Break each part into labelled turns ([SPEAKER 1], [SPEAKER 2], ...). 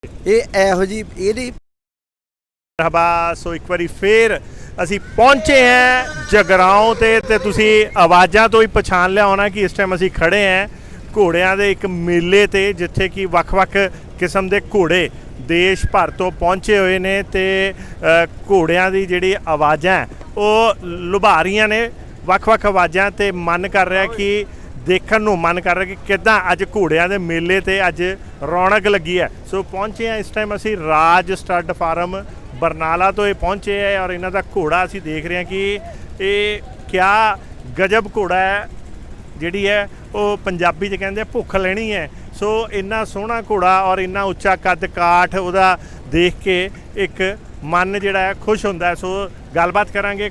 [SPEAKER 1] ਇਹੋ ਜੀ ਇਹਦੀ
[SPEAKER 2] ਸੋ ਇੱਕ ਵਾਰੀ ਫੇਰ ਅਸੀਂ ਪਹੁੰਚੇ ਹਾਂ ਜਗਰਾਉਂ ਤੇ ਤੁਸੀਂ ਆਵਾਜ਼ਾਂ ਤੋਂ ਹੀ ਪਛਾਣ ਲਿਆ ਹੋਣਾ ਕਿ ਇਸ ਟਾਈਮ ਅਸੀਂ ਖੜੇ ਹਾਂ ਘੋੜਿਆਂ ਦੇ ਇੱਕ ਮੇਲੇ ਤੇ ਜਿੱਥੇ ਕਿ ਵੱਖ-ਵੱਖ ਕਿਸਮ ਦੇ ਘੋੜੇ ਦੇਸ਼ ਭਰ ਤੋਂ ਪਹੁੰਚੇ ਹੋਏ ਨੇ ਤੇ ਘੋੜਿਆਂ ਦੀ ਜਿਹੜੀ ਆਵਾਜ਼ਾਂ ਉਹ ਲੁਭਾ ਰਹੀਆਂ ਨੇ ਵੱਖ-ਵੱਖ ਆਵਾਜ਼ਾਂ ਤੇ ਮਨ ਕਰ ਰਿਹਾ ਕਿ ਦੇਖਣ ਨੂੰ ਮਨ ਕਰ ਰਿਹਾ ਕਿ ਕਿੱਦਾਂ ਅੱਜ ਘੋੜਿਆਂ ਦੇ ਮੇਲੇ ਤੇ ਅੱਜ ਰੌਣਕ ਲੱਗੀ ਹੈ। ਸੋ ਪਹੁੰਚੇ ਹਾਂ ਇਸ ਟਾਈਮ ਅਸੀਂ ਰਾਜ ਸਟੱਡ ਫਾਰਮ ਬਰਨਾਲਾ ਤੋਂ ਇਹ ਪਹੁੰਚੇ ਹੈ ਔਰ ਇਹਨਾਂ ਦਾ ਘੋੜਾ ਅਸੀਂ ਦੇਖ ਰਹੇ ਹਾਂ ਕਿ ਇਹ ਕਿਆ ਗਜਬ ਘੋੜਾ ਹੈ ਜਿਹੜੀ ਹੈ ਉਹ ਪੰਜਾਬੀ 'ਚ ਕਹਿੰਦੇ ਭੁੱਖ ਲੈਣੀ ਹੈ। ਸੋ ਇੰਨਾ ਸੋਹਣਾ ਘੋੜਾ ਔਰ ਇੰਨਾ ਉੱਚਾ ਕੱਦ ਕਾਠ ਉਹਦਾ ਦੇਖ ਕੇ ਇੱਕ ਮਨ ਜਿਹੜਾ ਹੈ ਖੁਸ਼ ਹੁੰਦਾ ਹੈ। ਸੋ ਗੱਲਬਾਤ ਕਰਾਂਗੇ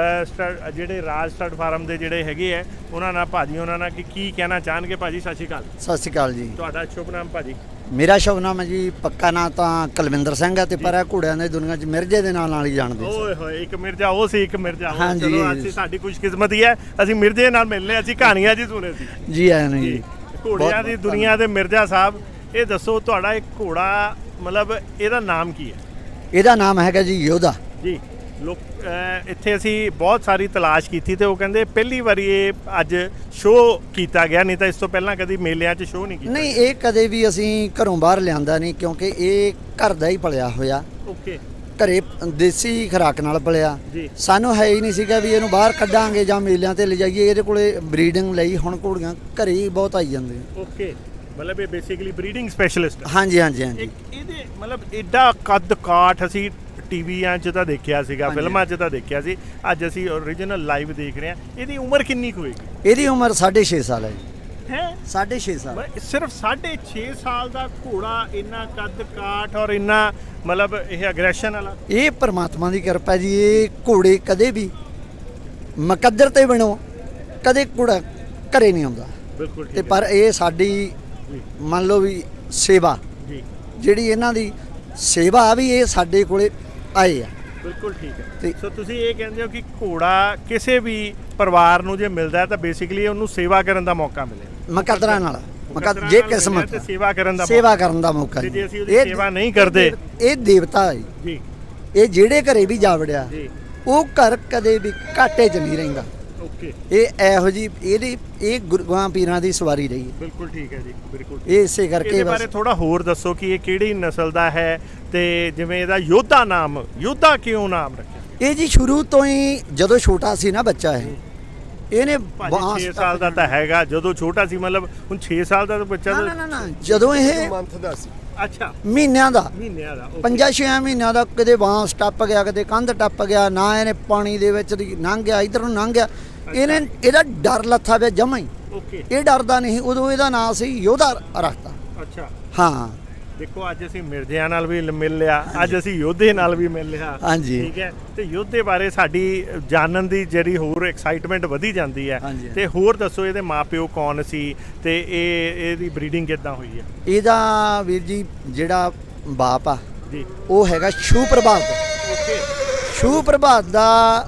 [SPEAKER 2] ਜਿਹੜੇ ਰਾਜ ਸਟੱਡ ਫਾਰਮ ਦੇ ਜਿਹੜੇ ਹੈਗੇ ਹੈ ਉਹਨਾਂ ਨਾਲ ਭਾਜੀ ਉਹਨਾਂ ਨਾਲ ਕਿ ਕੀ ਕਹਿਣਾ ਚਾਹਣਗੇ। ਭਾਜੀ ਸਤਿ ਸ਼੍ਰੀ ਅਕਾਲ।
[SPEAKER 1] ਸਤਿ ਸ਼੍ਰੀ ਅਕਾਲ ਜੀ।
[SPEAKER 2] ਤੁਹਾਡਾ ਸ਼ੁਭ ਨਾਮ ਭਾਜੀ?
[SPEAKER 1] ਮੇਰਾ ਸ਼ੁਭ ਨਾਮ ਹੈ ਜੀ ਪੱਕਾ ਨਾਂ ਤਾਂ ਕੁਲਵਿੰਦਰ ਸਿੰਘ ਹੈ ਤੇ ਪਰ ਇਹ ਘੋੜਿਆਂ ਦੀ ਦੁਨੀਆ 'ਚ ਮਿਰਜ਼ੇ ਦੇ ਨਾਂ ਨਾਲ ਹੀ ਜਾਣਦੇ ਸੀ।
[SPEAKER 2] ਓਏ ਹੋਏ ਇੱਕ ਮਿਰਜ਼ਾ ਉਹ ਸੀ ਇੱਕ ਮਿਰਜ਼ਾ ਉਹ।
[SPEAKER 1] ਹਾਂਜੀ।
[SPEAKER 2] ਚਲੋ ਅੱਜ ਸਾਡੀ ਖੁਸ਼ਕਿਸਮਤੀ ਹੈ ਅਸੀਂ ਮਿਰਜ਼ੇ ਨਾਲ ਮਿਲਨੇ ਅਸੀਂ ਕਹਾਣੀਆਂ ਜੀ ਸੁਣੇ ਸੀ
[SPEAKER 1] ਜੀ ਆਇਆ ਨਹੀਂ ਜੀ
[SPEAKER 2] ਘੋੜਿਆਂ ਦੀ ਦੁਨੀਆ ਦੇ ਮਿਰਜ਼ਾ ਸਾਹਿਬ ਇਹ ਦੱਸੋ ਤੁਹਾਡਾ ਇੱਕ ਘੋੜਾ ਮਤਲਬ ਇਹਦਾ ਨਾਮ ਕੀ ਹੈ?
[SPEAKER 1] ਇਹਦਾ ਨਾਮ ਹੈਗਾ ਜੀ ਯੋਧਾ
[SPEAKER 2] ਜੀ। ਲੋਕ ਇੱਥੇ ਅਸੀਂ ਬਹੁਤ ਸਾਰੀ ਤਲਾਸ਼ ਕੀਤੀ ਤੇ ਉਹ ਕਹਿੰਦੇ ਪਹਿਲੀ ਵਾਰੀ ਇਹ ਅੱਜ ਸ਼ੋਅ ਕੀਤਾ ਗਿਆ ਨਹੀਂ ਤਾਂ ਇਸ ਤੋਂ ਪਹਿਲਾਂ ਕਦੀ ਮੇਲਿਆਂ 'ਚ ਸ਼ੋਅ ਨਹੀਂ ਕੀਤਾ।
[SPEAKER 1] ਨਹੀਂ ਇਹ ਕਦੇ ਵੀ ਅਸੀਂ ਘਰੋਂ ਬਾਹਰ ਲਿਆਂਦਾ ਨਹੀਂ ਕਿਉਂਕਿ ਇਹ ਘਰ ਦਾ ਹੀ ਪਲਿਆ ਹੋਇਆ
[SPEAKER 2] ਓਕੇ
[SPEAKER 1] ਘਰੇ ਦੇਸੀ ਖੁਰਾਕ ਨਾਲ ਪਲਿਆ
[SPEAKER 2] ਜੀ।
[SPEAKER 1] ਸਾਨੂੰ ਹੈ ਹੀ ਨਹੀਂ ਸੀਗਾ ਵੀ ਇਹਨੂੰ ਬਾਹਰ ਕੱਢਾਂਗੇ ਜਾਂ ਮੇਲਿਆਂ ਤੇ ਲਿਜਾਈਏ। ਇਹਦੇ ਕੋਲੇ ਬਰੀਡਿੰਗ ਲਈ ਹੁਣ ਘੋੜੀਆਂ ਘਰੇ ਹੀ ਬਹੁਤ ਆਈ ਜਾਂਦੀਆਂ।
[SPEAKER 2] ਓਕੇ ਮਤਲਬ ਇਹ ਬੇਸਿਕਲੀ ਬਰੀਡਿੰਗ ਸਪੈਸ਼ਲਿਸਟ।
[SPEAKER 1] ਹਾਂਜੀ ਹਾਂਜੀ ਹਾਂਜੀ।
[SPEAKER 2] ਇਹਦੇ ਮਤਲਬ ਐਡਾ ਕੱਦ ਕਾਠ ਅਸੀਂ ਟੀਵੀਆਂ 'ਚ ਤਾਂ ਦੇਖਿਆ ਸੀਗਾ ਫਿਲਮਾਂ 'ਚ ਤਾਂ ਦੇਖਿਆ ਸੀ ਅੱਜ ਅਸੀਂ ਓਰੀਜਨਲ ਲਾਈਵ ਦੇਖ ਰਹੇ ਹਾਂ। ਇਹਦੀ ਉਮਰ ਕਿੰਨੀ ਕੁ ਹੋਏਗੀ?
[SPEAKER 1] ਇਹਦੀ ਉਮਰ 6.5 ਸਾਲ ਹੈ ਜੀ।
[SPEAKER 2] ਹੈ
[SPEAKER 1] 6.5 ਸਾਲ
[SPEAKER 2] ਸਿਰਫ 6.5 ਸਾਲ ਦਾ ਘੋੜਾ ਇੰਨਾ ਕੱਦ ਕਾਠ ਔਰ ਇੰਨਾ ਮਤਲਬ ਇਹ ਅਗਰੈਸ਼ਨ ਵਾਲਾ।
[SPEAKER 1] ਇਹ ਪਰਮਾਤਮਾ ਦੀ ਕਿਰਪਾ ਜੀ। ਇਹ ਘੋੜੇ ਕਦੇ ਵੀ ਮੁਕੱਦਰ ਤੇ ਬਣੋ ਕਦੇ ਘੋੜਾ ਘਰੇ ਨਹੀਂ ਆਉਂਦਾ।
[SPEAKER 2] ਬਿਲਕੁਲ
[SPEAKER 1] ਤੇ ਪਰ ਇਹ ਸਾਡੀ ਮੰਨ ਲਓ ਵੀ ਸੇਵਾ
[SPEAKER 2] ਜੀ
[SPEAKER 1] ਜਿਹੜੀ ਇਹਨਾਂ ਦੀ ਸੇਵਾ ਵੀ ਇਹ ਸਾਡੇ ਕੋਲੇ ਆਏ ਆ।
[SPEAKER 2] ਬਿਲਕੁਲ ਠੀਕ ਹੈ। ਸੋ ਤੁਸੀਂ ਇਹ ਕਹਿੰਦੇ ਹੋ ਕਿ ਘੋੜਾ ਕਿਸੇ ਵੀ ਪਰਿਵਾਰ ਨੂੰ ਜੇ ਮਿਲਦਾ ਤਾਂ ਬੇਸਿਕਲੀ ਉਹਨੂੰ ਸੇਵਾ ਕਰਨ ਦਾ ਮੌਕਾ ਮਿਲੇ
[SPEAKER 1] ਮੁਕੱਦਰਾਂ ਨਾਲ ਜੇ ਕਿਸਮਤ
[SPEAKER 2] ਸੇਵਾ ਕਰਨ ਦਾ ਮੌਕਾ
[SPEAKER 1] ਜੀ।
[SPEAKER 2] ਜੇ ਅਸੀਂ ਉਹਦੀ ਸੇਵਾ ਨਹੀਂ ਕਰਦੇ
[SPEAKER 1] ਇਹ ਦੇਵਤਾ ਹੈ
[SPEAKER 2] ਜੀ।
[SPEAKER 1] ਇਹ ਜਿਹੜੇ ਘਰੇ ਵੀ ਜਾ ਵੜਿਆ
[SPEAKER 2] ਜੀ
[SPEAKER 1] ਉਹ ਘਰ ਕਦੇ ਵੀ ਘਾਟੇ 'ਚ ਨਹੀਂ ਰਹਿੰਦਾ।
[SPEAKER 2] ਓਕੇ
[SPEAKER 1] ਇਹ ਇਹੋ ਜੀ ਇਹਦੀ ਇਹ ਗੁਰੂਆਂ ਪੀਰਾਂ ਦੀ ਸਵਾਰੀ ਰਹੀ ਹੈ।
[SPEAKER 2] ਬਿਲਕੁਲ ਠੀਕ ਹੈ ਜੀ ਬਿਲਕੁਲ।
[SPEAKER 1] ਇਹ ਇਸੇ ਕਰਕੇ
[SPEAKER 2] ਇਹਦੇ ਬਾਰੇ ਥੋੜਾ ਹੋਰ ਦੱਸੋ ਕਿ ਇਹ ਕਿਹੜੀ ਨਸਲ ਦਾ ਹੈ ਤੇ ਜਿਵੇਂ ਇਹਦਾ ਯੋਧਾ ਨਾਮ ਯੋਧਾ ਕਿਉਂ ਨਾਮ ਰੱਖਿਆ?
[SPEAKER 1] ਇਹ ਜੀ ਸ਼ੁਰੂ ਤੋਂ ਹੀ ਜਦੋਂ ਛੋਟਾ ਸੀ ਨਾ ਬੱਚਾ ਇਹਨੇ
[SPEAKER 2] 6 ਸਾਲ ਦਾ ਤਾਂ ਹੈਗਾ ਜਦੋਂ ਛੋਟਾ ਸੀ ਮਤਲਬ ਹੁਣ 6 ਸਾਲ ਦਾ ਤਾਂ ਬੱਚਾ
[SPEAKER 1] ਨਾ ਜਦੋਂ ਇਹ
[SPEAKER 2] ਮੰਥ ਦਾ ਸੀ। ਅੱਛਾ
[SPEAKER 1] ਮਹੀਨਿਆਂ ਦਾ
[SPEAKER 2] 5-6
[SPEAKER 1] ਮਹੀਨਿਆਂ ਦਾ ਕਦੇ ਬਾਂਸ ਟੱਪ ਗਿਆ ਕਦੇ ਕੰਧ ਟੱਪ ਗਿਆ ਨਾ ਇਹਨੇ ਪਾਣੀ ਦੇ ਵਿੱਚ ਦੀ ਲੰਘ ਗਿਆ ਇਧਰ ਨੂੰ ਲੰਘ ਗਿਆ। ਇਹਨੇ ਇਹਦਾ ਡਰ ਲੱਥਾ ਪਿਆ ਜਮਾਂ ਹੀ।
[SPEAKER 2] ਓਕੇ ਇਹ
[SPEAKER 1] ਡਰਦਾ ਨਹੀਂ ਉਦੋਂ ਇਹਦਾ ਨਾਂ ਸੀ ਯੋਧਾ ਰੱਖਤਾ।
[SPEAKER 2] ਅੱਛਾ
[SPEAKER 1] ਹਾਂ
[SPEAKER 2] ਦੇਖੋ ਅੱਜ ਅਸੀਂ ਮਿਰਜ਼ਿਆਂ ਨਾਲ ਵੀ ਮਿਲ ਲਿਆ ਅੱਜ ਅਸੀਂ ਯੋਧੇ ਨਾਲ ਵੀ ਮਿਲ ਲਿਆ।
[SPEAKER 1] ਹਾਂਜੀ
[SPEAKER 2] ਠੀਕ ਹੈ ਤੇ ਯੋਧੇ ਬਾਰੇ ਸਾਡੀ ਜਾਣਨ ਦੀ ਜਿਹੜੀ ਹੋਰ ਐਕਸਾਈਟਮੈਂਟ ਵਧੀ ਜਾਂਦੀ ਹੈ। ਤੇ ਹੋਰ ਦੱਸੋ ਇਹਦੇ ਮਾਪਿਓ ਕੌਣ ਸੀ ਤੇ ਇਹਦੀ ਬਰੀਡਿੰਗ ਕਿੱਦਾਂ ਹੋਈ ਹੈ?
[SPEAKER 1] ਇਹਦਾ ਵੀਰ ਜੀ ਜਿਹੜਾ ਬਾਪ ਆ
[SPEAKER 2] ਜੀ
[SPEAKER 1] ਉਹ ਹੈਗਾ ਸ਼ੂ ਪ੍ਰਭਾਤ।
[SPEAKER 2] ਓਕੇ
[SPEAKER 1] ਸ਼ੂ ਪ੍ਰਭਾਤ ਦਾ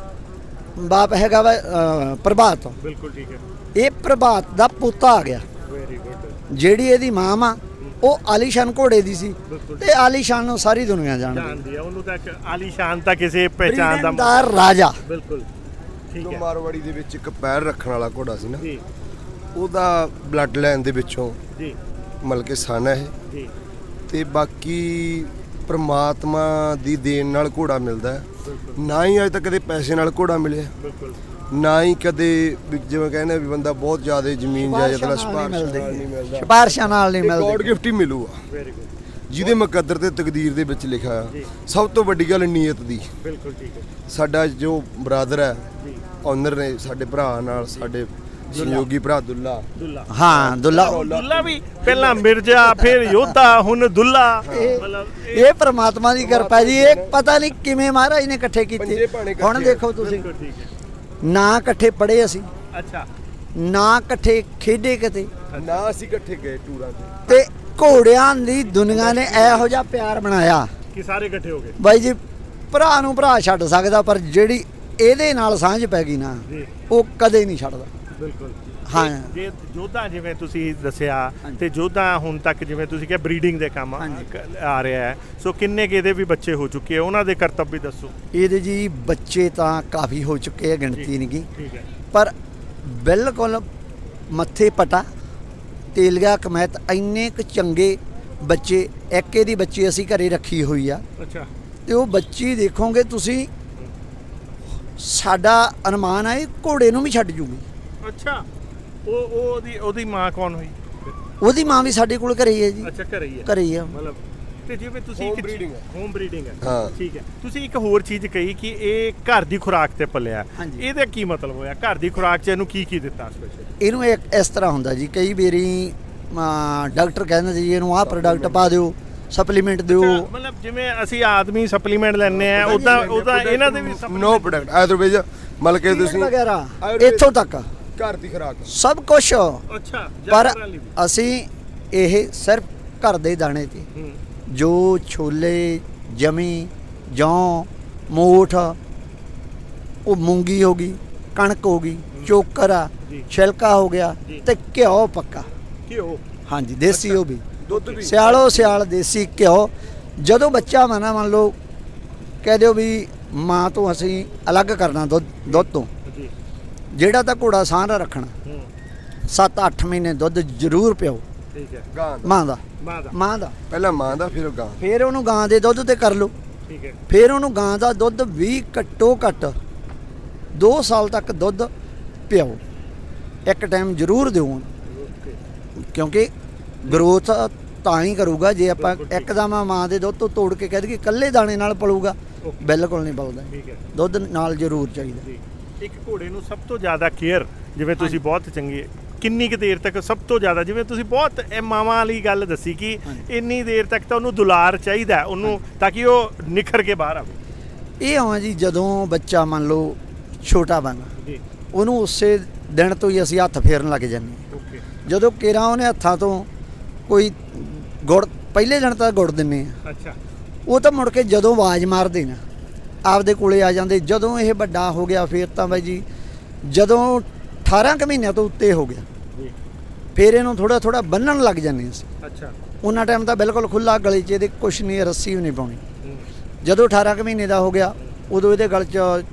[SPEAKER 1] ਬਾਪ ਹੈਗਾ ਵਾ ਪ੍ਰਭਾਤ।
[SPEAKER 2] ਬਿਲਕੁਲ ਠੀਕ ਹੈ।
[SPEAKER 1] ਇਹ ਪ੍ਰਭਾਤ ਦਾ ਪੁੱਤ ਆ ਗਿਆ।
[SPEAKER 2] Very good.
[SPEAKER 1] ਜਿਹੜੀ ਇਹਦੀ ਮਾਂ ਆ ਉਹ ਆਲੀਸ਼ਾਨ ਘੋੜੇ ਦੀ ਸੀ ਤੇ ਆਲੀਸ਼ਾਨ ਨੂੰ ਸਾਰੀ ਦੁਨੀਆ ਜਾਣਦੀ
[SPEAKER 2] ਹੈ। ਉਹਨੂੰ ਤਾਂ ਆਲੀਸ਼ਾਨ ਤਾਂ ਕਿਸੇ ਪਹਿਚਾਨ ਦਾ
[SPEAKER 1] ਰਾਜਾ।
[SPEAKER 2] ਬਿਲਕੁਲ ਠੀਕ ਹੈ।
[SPEAKER 3] ਮਾਰਵਾੜੀ ਦੇ ਵਿੱਚ ਇੱਕ ਪੈਰ ਰੱਖਣ ਵਾਲਾ ਘੋੜਾ ਸੀ ਨਾ
[SPEAKER 2] ਜੀ
[SPEAKER 3] ਉਹਦਾ ਬਲੱਡ ਲਾਈਨ ਦੇ ਵਿੱਚੋਂ
[SPEAKER 2] ਜੀ
[SPEAKER 3] ਮਤਲਬ ਕਿ ਸਨ ਹੈ
[SPEAKER 2] ਜੀ
[SPEAKER 3] ਤੇ ਬਾਕੀ ਪ੍ਰਮਾਤਮਾ ਦੀ ਦੇਣ ਨਾਲ ਘੋੜਾ ਮਿਲਦਾ ਹੈ। ਨਾ ਹੀ ਅੱਜ ਤੱਕ ਕਦੇ ਪੈਸੇ ਨਾਲ ਘੋੜਾ ਮਿਲਿਆ
[SPEAKER 2] ਬਿਲਕੁਲ
[SPEAKER 3] ਨਾ ਹੀ ਕਦੇ ਜਿਵੇਂ ਕਹਿੰਦੇ ਵੀ ਬੰਦਾ ਬਹੁਤ ਜ਼ਿਆਦਾ ਜ਼ਮੀਨ ਜਾਇਦਾਦ ਨਾਲ
[SPEAKER 1] ਸਿਫਾਰਿਸ਼ਾਂ ਨਾਲ ਨਹੀਂ ਮਿਲਦੀ।
[SPEAKER 3] ਗੋਡ ਗਿਫਟ ਹੀ ਮਿਲੂਗਾ।
[SPEAKER 2] Very good.
[SPEAKER 3] ਜਿਹਦੇ ਮੁਕੱਦਰ ਤੇ ਤਕਦੀਰ ਦੇ ਵਿੱਚ ਲਿਖਿਆ ਆ। ਸਭ ਤੋਂ ਵੱਡੀ ਗੱਲ ਨੀਅਤ ਦੀ।
[SPEAKER 2] ਬਿਲਕੁਲ ਠੀਕ ਹੈ।
[SPEAKER 3] ਸਾਡਾ ਜੋ ਬਰਾਦਰ ਹੈ
[SPEAKER 2] ਜੀ
[SPEAKER 3] ਓਨਰ ਨੇ ਸਾਡੇ ਭਰਾ ਨਾਲ ਸਾਡੇ ਸਹਿਯੋਗੀ ਭਰਾ ਦੁੱਲਾ
[SPEAKER 1] ਹਾਂ
[SPEAKER 2] ਦੁੱਲਾ ਵੀ ਪਹਿਲਾਂ ਮਿਰਜ਼ਾ ਫਿਰ ਯੋਧਾ ਹੁਣ ਦੁੱਲਾ ਮਤਲਬ
[SPEAKER 1] ਇਹ ਪ੍ਰਮਾਤਮਾ ਦੀ ਕਿਰਪਾ ਜੀ। ਇਹ ਪਤਾ ਨਹੀਂ ਕਿਵੇਂ ਮਹਾਰਾਜ ਨੇ ਇਕੱਠੇ ਕੀਤੇ। ਹੁਣ ਦੇਖੋ ਤੁਸੀਂ ਨਾ ਇਕੱਠੇ ਪੜ੍ਹੇ ਅਸੀਂ।
[SPEAKER 2] ਅੱਛਾ
[SPEAKER 1] ਨਾ ਇਕੱਠੇ ਖੇਡੇ ਕਿਤੇ
[SPEAKER 3] ਨਾ ਅਸੀਂ ਇਕੱਠੇ ਗਏ ਟੂਰਾਂ ਤੇ
[SPEAKER 1] ਘੋੜਿਆਂ ਦੀ ਦੁਨੀਆ ਨੇ ਇਹੋ ਜਿਹਾ ਪਿਆਰ ਬਣਾਇਆ
[SPEAKER 2] ਕਿ ਸਾਰੇ ਇਕੱਠੇ ਹੋ ਗਏ।
[SPEAKER 1] ਬਾਈ ਜੀ ਭਰਾ ਨੂੰ ਭਰਾ ਛੱਡ ਸਕਦਾ ਪਰ ਜਿਹੜੀ ਇਹਦੇ ਨਾਲ ਸਾਂਝ ਪੈ ਗਈ ਨਾ ਉਹ ਕਦੇ ਨਹੀਂ ਛੱਡਦਾ।
[SPEAKER 2] ਬਿਲਕੁਲ
[SPEAKER 1] ਹਾਂ
[SPEAKER 2] ਜੇ ਜੋਧਾ ਜਿਵੇਂ ਤੁਸੀਂ ਦੱਸਿਆ ਤੇ ਜੋਧਾ ਹੁਣ ਤੱਕ ਜਿਵੇਂ ਤੁਸੀਂ ਕਿਹਾ ਬਰੀਡਿੰਗ ਦੇ ਕੰਮ ਆ ਰਿਹਾ ਹੈ, ਸੋ ਕਿੰਨੇ ਕੁ ਇਹਦੇ ਵੀ ਬੱਚੇ ਹੋ ਚੁੱਕੇ ਆ, ਉਹਨਾਂ ਦੇ ਕਰਤੱਵ ਵੀ ਦੱਸੋ।
[SPEAKER 1] ਇਹਦੇ ਜੀ ਬੱਚੇ ਤਾਂ ਕਾਫੀ ਹੋ ਚੁੱਕੇ ਆ, ਗਿਣਤੀ ਨਹੀਂ ਗੀ,
[SPEAKER 2] ਠੀਕ ਹੈ।
[SPEAKER 1] ਪਰ ਬਿਲਕੁਲ ਮੱਥੇ ਪਟਾ ਤੇਲੀਆ ਕਮੈਤ ਇੰਨੇ ਕੁ ਚੰਗੇ ਬੱਚੇ, ਇੱਕ ਇਹਦੀ ਬੱਚੀ ਅਸੀਂ ਘਰੇ ਰੱਖੀ ਹੋਈ ਆ,
[SPEAKER 2] ਅੱਛਾ।
[SPEAKER 1] ਤੇ ਉਹ ਬੱਚੀ ਦੇਖੋਗੇ ਤੁਸੀਂ, ਸਾਡਾ ਅਨੁਮਾਨ ਹੈ ਇਹ ਘੋੜੇ ਨੂੰ ਵੀ ਛੱਡ ਜੂਗੀ।
[SPEAKER 2] ਅੱਛਾ, ਉਹਦੀ ਮਾਂ ਕੌਣ ਹੋਈ?
[SPEAKER 1] ਉਹਦੀ ਮਾਂ ਵੀ ਸਾਡੇ ਕੋਲ ਘਰੇ ਹੀ ਹੈ ਜੀ।
[SPEAKER 2] ਅੱਛਾ, ਘਰੇ ਹੀ ਹੈ।
[SPEAKER 1] ਘਰੇ ਹੀ ਆ
[SPEAKER 2] ਮਤਲਬ ਤੇ ਜਿਵੇਂ ਤੁਸੀਂ
[SPEAKER 3] Home breeding ਹੈ।
[SPEAKER 2] ਹੋਮ ਬਰੀਡਿੰਗ ਹੈ,
[SPEAKER 3] ਹਾਂ।
[SPEAKER 2] ਠੀਕ ਹੈ। ਤੁਸੀਂ ਇੱਕ ਹੋਰ ਚੀਜ਼ ਕਹੀ ਕਿ ਇਹ ਘਰ ਦੀ ਖੁਰਾਕ ਤੇ ਪਲਿਆ,
[SPEAKER 1] ਹਾਂਜੀ।
[SPEAKER 2] ਇਹਦਾ ਕੀ ਮਤਲਬ ਹੋਇਆ? ਘਰ ਦੀ ਖੁਰਾਕ 'ਚ ਇਹਨੂੰ ਕੀ ਦਿੱਤਾ ਸਪੈਸ਼ਲ?
[SPEAKER 1] ਇਹਨੂੰ ਇਸ ਤਰ੍ਹਾਂ ਹੁੰਦਾ ਜੀ, ਕਈ ਵਾਰੀ ਡਾਕਟਰ ਕਹਿੰਦੇ ਜੀ ਇਹਨੂੰ ਆਹ ਪ੍ਰੋਡਕਟ ਪਾ ਦਿਓ, ਸਪਲੀਮੈਂਟ ਦਿਓ।
[SPEAKER 2] ਮਤਲਬ ਜਿਵੇਂ ਅਸੀਂ ਆਦਮੀ ਸਪਲੀਮੈਂਟ ਲੈਂਦੇ ਆ, ਉਹਦਾ ਇਹਨਾਂ ਦੇ ਵੀ
[SPEAKER 3] ਨੋ ਪ੍ਰੋਡਕਟ ਆਯੁਰਵੇਦ ਮਤਲਬ ਕਿ ਤੁਸੀਂ
[SPEAKER 1] ਵਗੈਰਾ
[SPEAKER 3] ਆਯੁਰਵੇਦ
[SPEAKER 1] ਇੱਥੋਂ ਤੱਕ
[SPEAKER 3] ਘਰ ਦੀ ਖੁਰਾਕ
[SPEAKER 1] ਸਭ ਕੁਝ,
[SPEAKER 2] ਅੱਛਾ।
[SPEAKER 1] ਪਰ ਅਸੀਂ ਇਹ ਸਿਰਫ ਘਰ ਦੇ ਦਾਣੇ ਤੇ, ਜੋ ਛੋਲੇ, ਜਮੀ, ਜੌਂ, ਮੋਠ, ਉਹ ਮੂੰਗੀ ਹੋ ਗਈ, ਕਣਕ ਹੋ ਗਈ, ਚੋਕਰ ਆ, ਛਿਲਕਾ ਹੋ ਗਿਆ, ਤੇ ਘਿਓ ਪੱਕਾ।
[SPEAKER 2] ਘਿਓ?
[SPEAKER 1] ਹਾਂਜੀ, ਦੇਸੀ ਉਹ ਵੀ,
[SPEAKER 3] ਦੁੱਧ ਵੀ
[SPEAKER 1] ਸਿਆਲੋ ਸਿਆਲ ਦੇਸੀ ਘਿਓ। ਜਦੋਂ ਬੱਚਾ ਮੰਨ ਲਓ ਕਹਿ ਦਿਓ ਵੀ ਮਾਂ ਤੋਂ ਅਸੀਂ ਅਲੱਗ ਕਰਨਾ ਦੁੱਧ ਤੋਂ, ਜਿਹੜਾ ਤਾਂ ਘੋੜਾ ਸਾਂਝਾ ਰੱਖਣਾ, 7-8 ਮਹੀਨੇ ਦੁੱਧ ਜ਼ਰੂਰ ਪਿਓ।
[SPEAKER 2] ਠੀਕ ਹੈ।
[SPEAKER 3] ਗਾਂ ਦਾ
[SPEAKER 1] ਮਾਂ ਦਾ
[SPEAKER 3] ਪਹਿਲਾਂ ਮਾਂ ਦਾ ਫਿਰ ਗਾਂ,
[SPEAKER 1] ਫਿਰ ਉਹਨੂੰ ਗਾਂ ਦੇ ਦੁੱਧ ਤੇ ਕਰ ਲਓ।
[SPEAKER 2] ਠੀਕ ਹੈ।
[SPEAKER 1] ਫਿਰ ਉਹਨੂੰ ਗਾਂ ਦਾ ਦੁੱਧ ਵੀ ਘੱਟੋ ਘੱਟ 2 ਸਾਲ ਤੱਕ ਦੁੱਧ ਪਿਓ, ਇੱਕ ਟਾਈਮ ਜ਼ਰੂਰ ਦਿਓ, ਕਿਉਂਕਿ ਗਰੋਥ ਤਾਂ ਹੀ ਕਰੂਗਾ ਜੇ ਆਪਾਂ ਇੱਕਦਮ ਮਾਂ ਦੇ ਦੁੱਧ ਤੋਂ ਤੋੜ ਕੇ ਕਹਿ ਦਈਏ ਇਕੱਲੇ ਦਾਣੇ ਨਾਲ ਪਲੂਗਾ, ਬਿਲਕੁਲ ਨਹੀਂ ਪਲਦਾ।
[SPEAKER 2] ਠੀਕ ਹੈ।
[SPEAKER 1] ਦੁੱਧ ਨਾਲ ਜ਼ਰੂਰ ਚਾਹੀਦਾ।
[SPEAKER 2] ਇੱਕ ਘੋੜੇ ਨੂੰ ਸਭ ਤੋਂ ਜ਼ਿਆਦਾ ਕੇਅਰ, ਜਿਵੇਂ ਤੁਸੀਂ ਬਹੁਤ ਚੰਗੀ, ਕਿੰਨੀ ਕੁ ਦੇਰ ਤੱਕ ਸਭ ਤੋਂ ਜ਼ਿਆਦਾ, ਜਿਵੇਂ ਤੁਸੀਂ ਬਹੁਤ ਮਾਵਾਂ ਵਾਲੀ ਗੱਲ ਦੱਸੀ ਕਿ ਇੰਨੀ ਦੇਰ ਤੱਕ ਤਾਂ ਉਹਨੂੰ ਦੁਲਾਰ ਚਾਹੀਦਾ ਉਹਨੂੰ, ਤਾਂ ਕਿ ਉਹ ਨਿਖਰ ਕੇ ਬਾਹਰ ਆਵੇ।
[SPEAKER 1] ਇਹ ਆਵਾਂ ਜੀ, ਜਦੋਂ ਬੱਚਾ ਮੰਨ ਲਓ ਛੋਟਾ ਬਣ,
[SPEAKER 2] ਜੀ,
[SPEAKER 1] ਉਹਨੂੰ ਉਸੇ ਦਿਨ ਤੋਂ ਹੀ ਅਸੀਂ ਹੱਥ ਫੇਰਨ ਲੱਗ ਜਾਂਦੇ ਹਾਂ।
[SPEAKER 2] ਓਕੇ।
[SPEAKER 1] ਜਦੋਂ ਕੇਰਾਂ ਉਹਨੇ ਹੱਥਾਂ ਤੋਂ ਕੋਈ ਗੁੜ, ਪਹਿਲੇ ਦਿਨ ਤਾਂ ਗੁੜ ਦਿੰਨੇ ਆ,
[SPEAKER 2] ਅੱਛਾ।
[SPEAKER 1] ਉਹ ਤਾਂ ਮੁੜ ਕੇ ਜਦੋਂ ਆਵਾਜ਼ ਮਾਰਦੇ ਨਾ ਆਪਦੇ ਕੋਲੇ ਆ ਜਾਂਦੇ। ਜਦੋਂ ਇਹ ਵੱਡਾ ਹੋ ਗਿਆ ਫਿਰ ਤਾਂ ਬਾਈ ਜੀ, ਜਦੋਂ 18 ਕੁ ਮਹੀਨਿਆਂ ਤੋਂ ਉੱਤੇ ਹੋ ਗਿਆ, ਫਿਰ ਇਹਨੂੰ ਥੋੜਾ ਥੋੜਾ ਬੰਨਣ ਲੱਗ ਜਾਂਦੇ ਅਸੀਂ।
[SPEAKER 2] ਅੱਛਾ।
[SPEAKER 1] ਉਹਨਾਂ ਟਾਈਮ ਤਾਂ ਬਿਲਕੁਲ ਖੁੱਲਾ, ਗਲੇ 'ਚ ਇਹਦੇ ਕੁਛ ਨਹੀਂ, ਰੱਸੀ ਵੀ ਨਹੀਂ ਪਾਉਣੀ। ਜਦੋਂ 18 ਕੁ ਮਹੀਨੇ ਦਾ ਹੋ ਗਿਆ, ਉਦੋਂ ਇਹਦੇ ਗਲ 'ਚ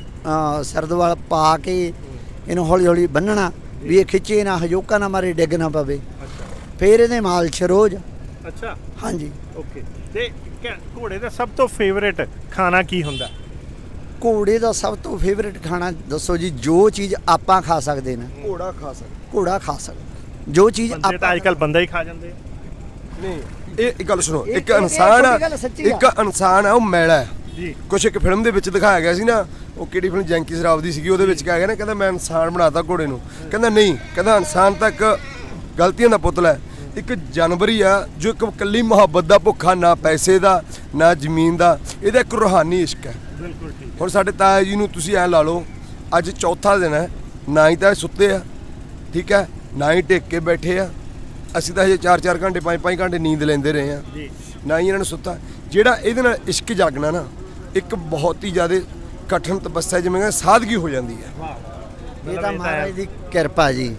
[SPEAKER 1] ਸਰਦਵਾਲ ਪਾ ਕੇ ਇਹਨੂੰ ਹੌਲੀ ਹੌਲੀ ਬੰਨਣਾ, ਵੀ ਇਹ ਖਿੱਚੇ ਨਾ, ਹਜੋਕਾ ਨਾ ਮਾਰੇ, ਡਿੱਗ ਨਾ ਪਵੇ। ਫਿਰ ਇਹਦੇ ਮਾਲਸ਼ ਰੋਜ਼।
[SPEAKER 2] ਅੱਛਾ।
[SPEAKER 1] ਹਾਂਜੀ।
[SPEAKER 2] ਓਕੇ। ਤੇ ਘੋੜੇ ਦਾ ਸਭ ਤੋਂ ਫੇਵਰੇਟ ਖਾਣਾ ਕੀ ਹੁੰਦਾ?
[SPEAKER 1] ਘੋੜੇ ਦਾ ਸਭ ਤੋਂ ਫੇਵਰੇਟ ਖਾਣਾ ਦੱਸੋ ਜੀ? ਜੋ ਚੀਜ਼ ਆਪਾਂ ਖਾ ਸਕਦੇ ਨਾ,
[SPEAKER 3] ਘੋੜਾ ਖਾ ਸਕਦਾ।
[SPEAKER 1] ਘੋੜਾ ਖਾ ਸਕਦਾ। ਜੋ ਚੀਜ਼
[SPEAKER 2] ਬੰਦੇ ਤਾਂ ਅੱਜਕੱਲ ਬੰਦਾ ਹੀ ਖਾ ਜਾਂਦੇ ਆ।
[SPEAKER 3] ਨਹੀਂ, ਇਹ ਗੱਲ ਸੁਣੋ, ਇੱਕ
[SPEAKER 1] ਇਹ
[SPEAKER 3] ਇਨਸਾਨ ਆ,
[SPEAKER 1] ਗੱਲ ਸੱਚੀ ਆ।
[SPEAKER 3] ਇੱਕ ਇਨਸਾਨ ਆ, ਉਹ ਮੈਲਾ ਹੈ
[SPEAKER 2] ਜੀ।
[SPEAKER 3] ਕੁਛ ਇੱਕ ਫਿਲਮ ਦੇ ਵਿੱਚ ਦਿਖਾਇਆ ਗਿਆ ਸੀ ਨਾ, ਉਹ ਕਿਹੜੀ ਫਿਲਮ, ਜੈਂਕੀ ਸ਼ਰਾਫ ਦੀ ਸੀਗੀ, ਉਹਦੇ ਵਿੱਚ ਕਿਹਾ ਗਿਆ ਨਾ, ਕਹਿੰਦਾ ਮੈਂ ਇਨਸਾਨ ਬਣਾਤਾ ਘੋੜੇ ਨੂੰ। ਕਹਿੰਦਾ ਨਹੀਂ, ਕਹਿੰਦਾ ਇਨਸਾਨ ਤਾਂ ਇੱਕ ਗਲਤੀਆਂ ਦਾ ਪੁਤਲਾ ਹੈ, ਇੱਕ ਜਾਨਵਰ ਹੀ ਆ ਜੋ ਇੱਕ ਇਕੱਲੀ ਮੁਹੱਬਤ ਦਾ ਭੁੱਖਾ, ਨਾ ਪੈਸੇ ਦਾ ਨਾ ਜ਼ਮੀਨ ਦਾ, ਇਹਦਾ ਇੱਕ ਰੂਹਾਨੀ ਇਸ਼ਕ ਹੈ।
[SPEAKER 2] ਬਿਲਕੁਲ ਠੀਕ।
[SPEAKER 3] ਹੁਣ ਸਾਡੇ ਤਾਇਆ ਜੀ ਨੂੰ ਤੁਸੀਂ ਐਂ ਲਾ ਲਓ, ਅੱਜ ਚੌਥਾ ਦਿਨ ਹੈ, ਨਾ ਹੀ ਤਾਂ ਇਹ ਸੁੱਤੇ ਆ, ਠੀਕ ਹੈ, ਨਾ ਹੀ ਟੇਕ ਕੇ ਬੈਠੇ ਆ। ਅਸੀਂ ਤਾਂ ਹਜੇ 4-4 ਘੰਟੇ 5-5 ਘੰਟੇ ਨੀਂਦ ਲੈਂਦੇ ਰਹੇ ਆ, ਨਾ ਹੀ ਇਹਨਾਂ ਨੂੰ ਸੁੱਤਾ। ਜਿਹੜਾ ਇਹਦੇ ਨਾਲ ਇਸ਼ਕ ਜਾਗਣਾ ਨਾ, ਇੱਕ ਬਹੁਤ ਹੀ ਜ਼ਿਆਦਾ ਕਠਿਨ ਤਪੱਸਿਆ, ਜਿਵੇਂ ਕਹਿੰਦੇ ਸਾਦਗੀ ਹੋ ਜਾਂਦੀ ਹੈ।
[SPEAKER 1] ਇਹ ਤਾਂ ਮਹਾਰਾਜ ਦੀ ਕਿਰਪਾ ਜੀ।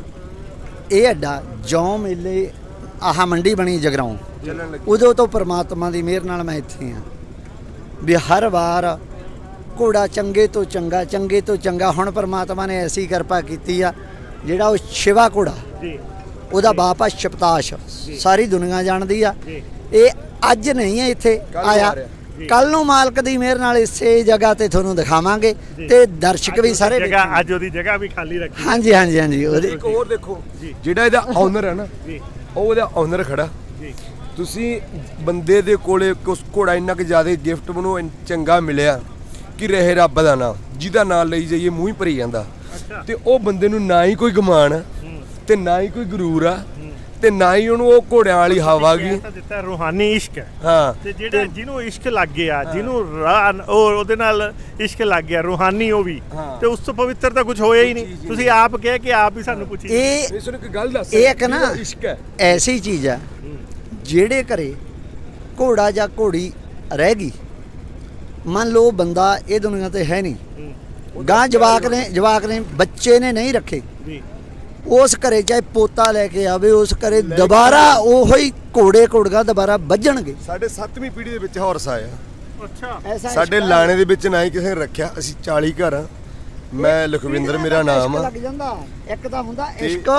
[SPEAKER 1] ਇਹ ਅੱਡਾ ਜੌਂ ਮੇਲੇ, ਆਹ ਮੰਡੀ ਬਣੀ ਜਗਰਾਉਂ,
[SPEAKER 3] ਚੱਲਣ ਲੱਗੀ।
[SPEAKER 1] ਉਦੋਂ ਤੋਂ ਪ੍ਰਮਾਤਮਾ ਦੀ ਮਿਹਰ ਨਾਲ ਮੈਂ ਇੱਥੇ ਆ, ਵੀ ਹਰ ਵਾਰ ਘੋੜਾ ਚੰਗੇ ਤੋਂ ਚੰਗਾ, ਚੰਗੇ ਤੋਂ ਚੰਗਾ। ਹੁਣ ਪ੍ਰਮਾਤਮਾ ਨੇ ਐਸੀ ਕਿਰਪਾ ਕੀਤੀ ਆ, ਜਿਹੜਾ ਉਹ ਸ਼ਿਵਾ ਘੋੜਾ, ਉਹਦਾ ਬਾਪ ਆ ਸ਼ਪਤਾਸ਼, ਸਾਰੀ ਦੁਨੀਆ ਜਾਣਦੀ ਆ। ਇਹ ਅੱਜ ਨਹੀਂ ਹੈ ਇੱਥੇ ਆਇਆ, ਕੱਲ ਨੂੰ ਮਾਲਕ ਦੀ ਮਿਹਰ ਨਾਲ ਇਸੇ ਜਗ੍ਹਾ ਤੇ ਤੁਹਾਨੂੰ ਦਿਖਾਵਾਂਗੇ, ਤੇ ਦਰਸ਼ਕ ਵੀ ਸਾਰੇ
[SPEAKER 2] ਜਗ੍ਹਾ, ਅੱਜ ਉਹਦੀ ਜਗ੍ਹਾ ਵੀ ਖਾਲੀ ਰੱਖੀ।
[SPEAKER 1] ਹਾਂਜੀ ਹਾਂਜੀ ਹਾਂਜੀ। ਉਹਦੀ
[SPEAKER 3] ਇੱਕ ਹੋਰ ਦੇਖੋ, ਜਿਹੜਾ ਇਹਦਾ ਓਨਰ ਹੈ ਨਾ, ਉਹ ਉਹਦਾ ਓਨਰ ਖੜਾ। ਤੁਸੀਂ ਬੰਦੇ ਦੇ ਕੋਲੇ ਕੁਛ ਘੋੜਾ ਇੰਨਾ ਕਿ ਜ਼ਿਆਦਾ ਗਿਫਟ ਮੈਨੂੰ ਚੰਗਾ ਮਿਲਿਆ ਕਿ ਰਹੇ ਰੱਬ ਦਾ ਨਾਮ, ਜਿਹਦਾ ਨਾਮ ਲਈ ਜਾਈਏ ਮੂੰਹ ਹੀ ਭਰੀ ਜਾਂਦਾ। ਤੇ ਉਹ ਬੰਦੇ ਨੂੰ ਨਾ ਹੀ ਕੋਈ ਗੁਮਾਨ ਤੇ ਨਾ ਹੀ ਕੋਈ ਗਰੂਰ ਆ, ਤੇ ਨਾ ਹੀ ਉਹਨੂੰ ਉਹ ਘੋੜਿਆਂ ਵਾਲੀ ਹਵਾ ਗਈ
[SPEAKER 2] ਦਿੱਤਾ। ਰੂਹਾਨੀ ਇਸ਼ਕ ਹੈ।
[SPEAKER 3] ਹਾਂ।
[SPEAKER 2] ਤੇ ਜਿਹੜਾ ਜਿਹਨੂੰ ਇਸ਼ਕ ਲੱਗ ਗਿਆ, ਜਿਹਨੂੰ ਉਹਦੇ ਨਾਲ ਇਸ਼ਕ ਲੱਗ ਗਿਆ ਰੂਹਾਨੀ, ਉਹ ਵੀ, ਤੇ ਉਸ ਤੋਂ ਪਵਿੱਤਰ ਤਾਂ ਕੁਝ ਹੋਇਆ ਹੀ ਨਹੀਂ। ਤੁਸੀਂ ਆਪ ਕਹਿ ਕੇ ਆਪ ਹੀ ਸਾਨੂੰ ਪੁੱਛੀ।
[SPEAKER 3] ਇਹ ਸੁਣ ਇੱਕ ਗੱਲ ਦੱਸ,
[SPEAKER 1] ਇਹ ਇੱਕ ਨਾ
[SPEAKER 3] ਇਸ਼ਕ ਹੈ,
[SPEAKER 1] ਐਸੀ ਚੀਜ਼ ਆ, ਜਿਹੜੇ ਘਰੇ ਘੋੜਾ ਜਾਂ ਘੋੜੀ ਰਹਿ ਗਈ, ਮੰਨ ਲਓ ਬੰਦਾ ਇਹ ਦੁਨੀਆ ਤੇ ਹੈ ਨਹੀਂ, ਗਾਂ ਜਵਾਕ ਨੇ ਬੱਚੇ ਨੇ ਨਹੀਂ ਰੱਖੇ, ਉਸ ਘਰੇ ਚਾਹੇ ਪੋਤਾ ਲੈ ਕੇ ਆਵੇ, ਉਸ ਘਰੇ ਦੁਬਾਰਾ ਉਹੀ ਘੋੜੇ ਘੋੜੀਆਂ ਦੁਬਾਰਾ ਵੱਜਣਗੇ।
[SPEAKER 3] ਸਾਡੇ 7ਵੀਂ ਪੀੜ੍ਹੀ ਦੇ ਵਿੱਚ ਹਾਰਸ ਆਇਆ।
[SPEAKER 2] ਅੱਛਾ,
[SPEAKER 1] ਐਸਾ
[SPEAKER 3] ਸਾਡੇ ਲਾਣੇ ਦੇ ਵਿੱਚ ਨਾ ਹੀ ਕਿਸੇ ਨੇ ਰੱਖਿਆ। ਅਸੀਂ 40 ਘਰ ਆ। ਮੈਂ ਲਖਵਿੰਦਰ ਮੇਰਾ ਨਾਮ ਆ।
[SPEAKER 1] ਲੱਗ ਜਾਂਦਾ ਇੱਕ ਤਾਂ ਹੁੰਦਾ ਇਸ਼ਕ,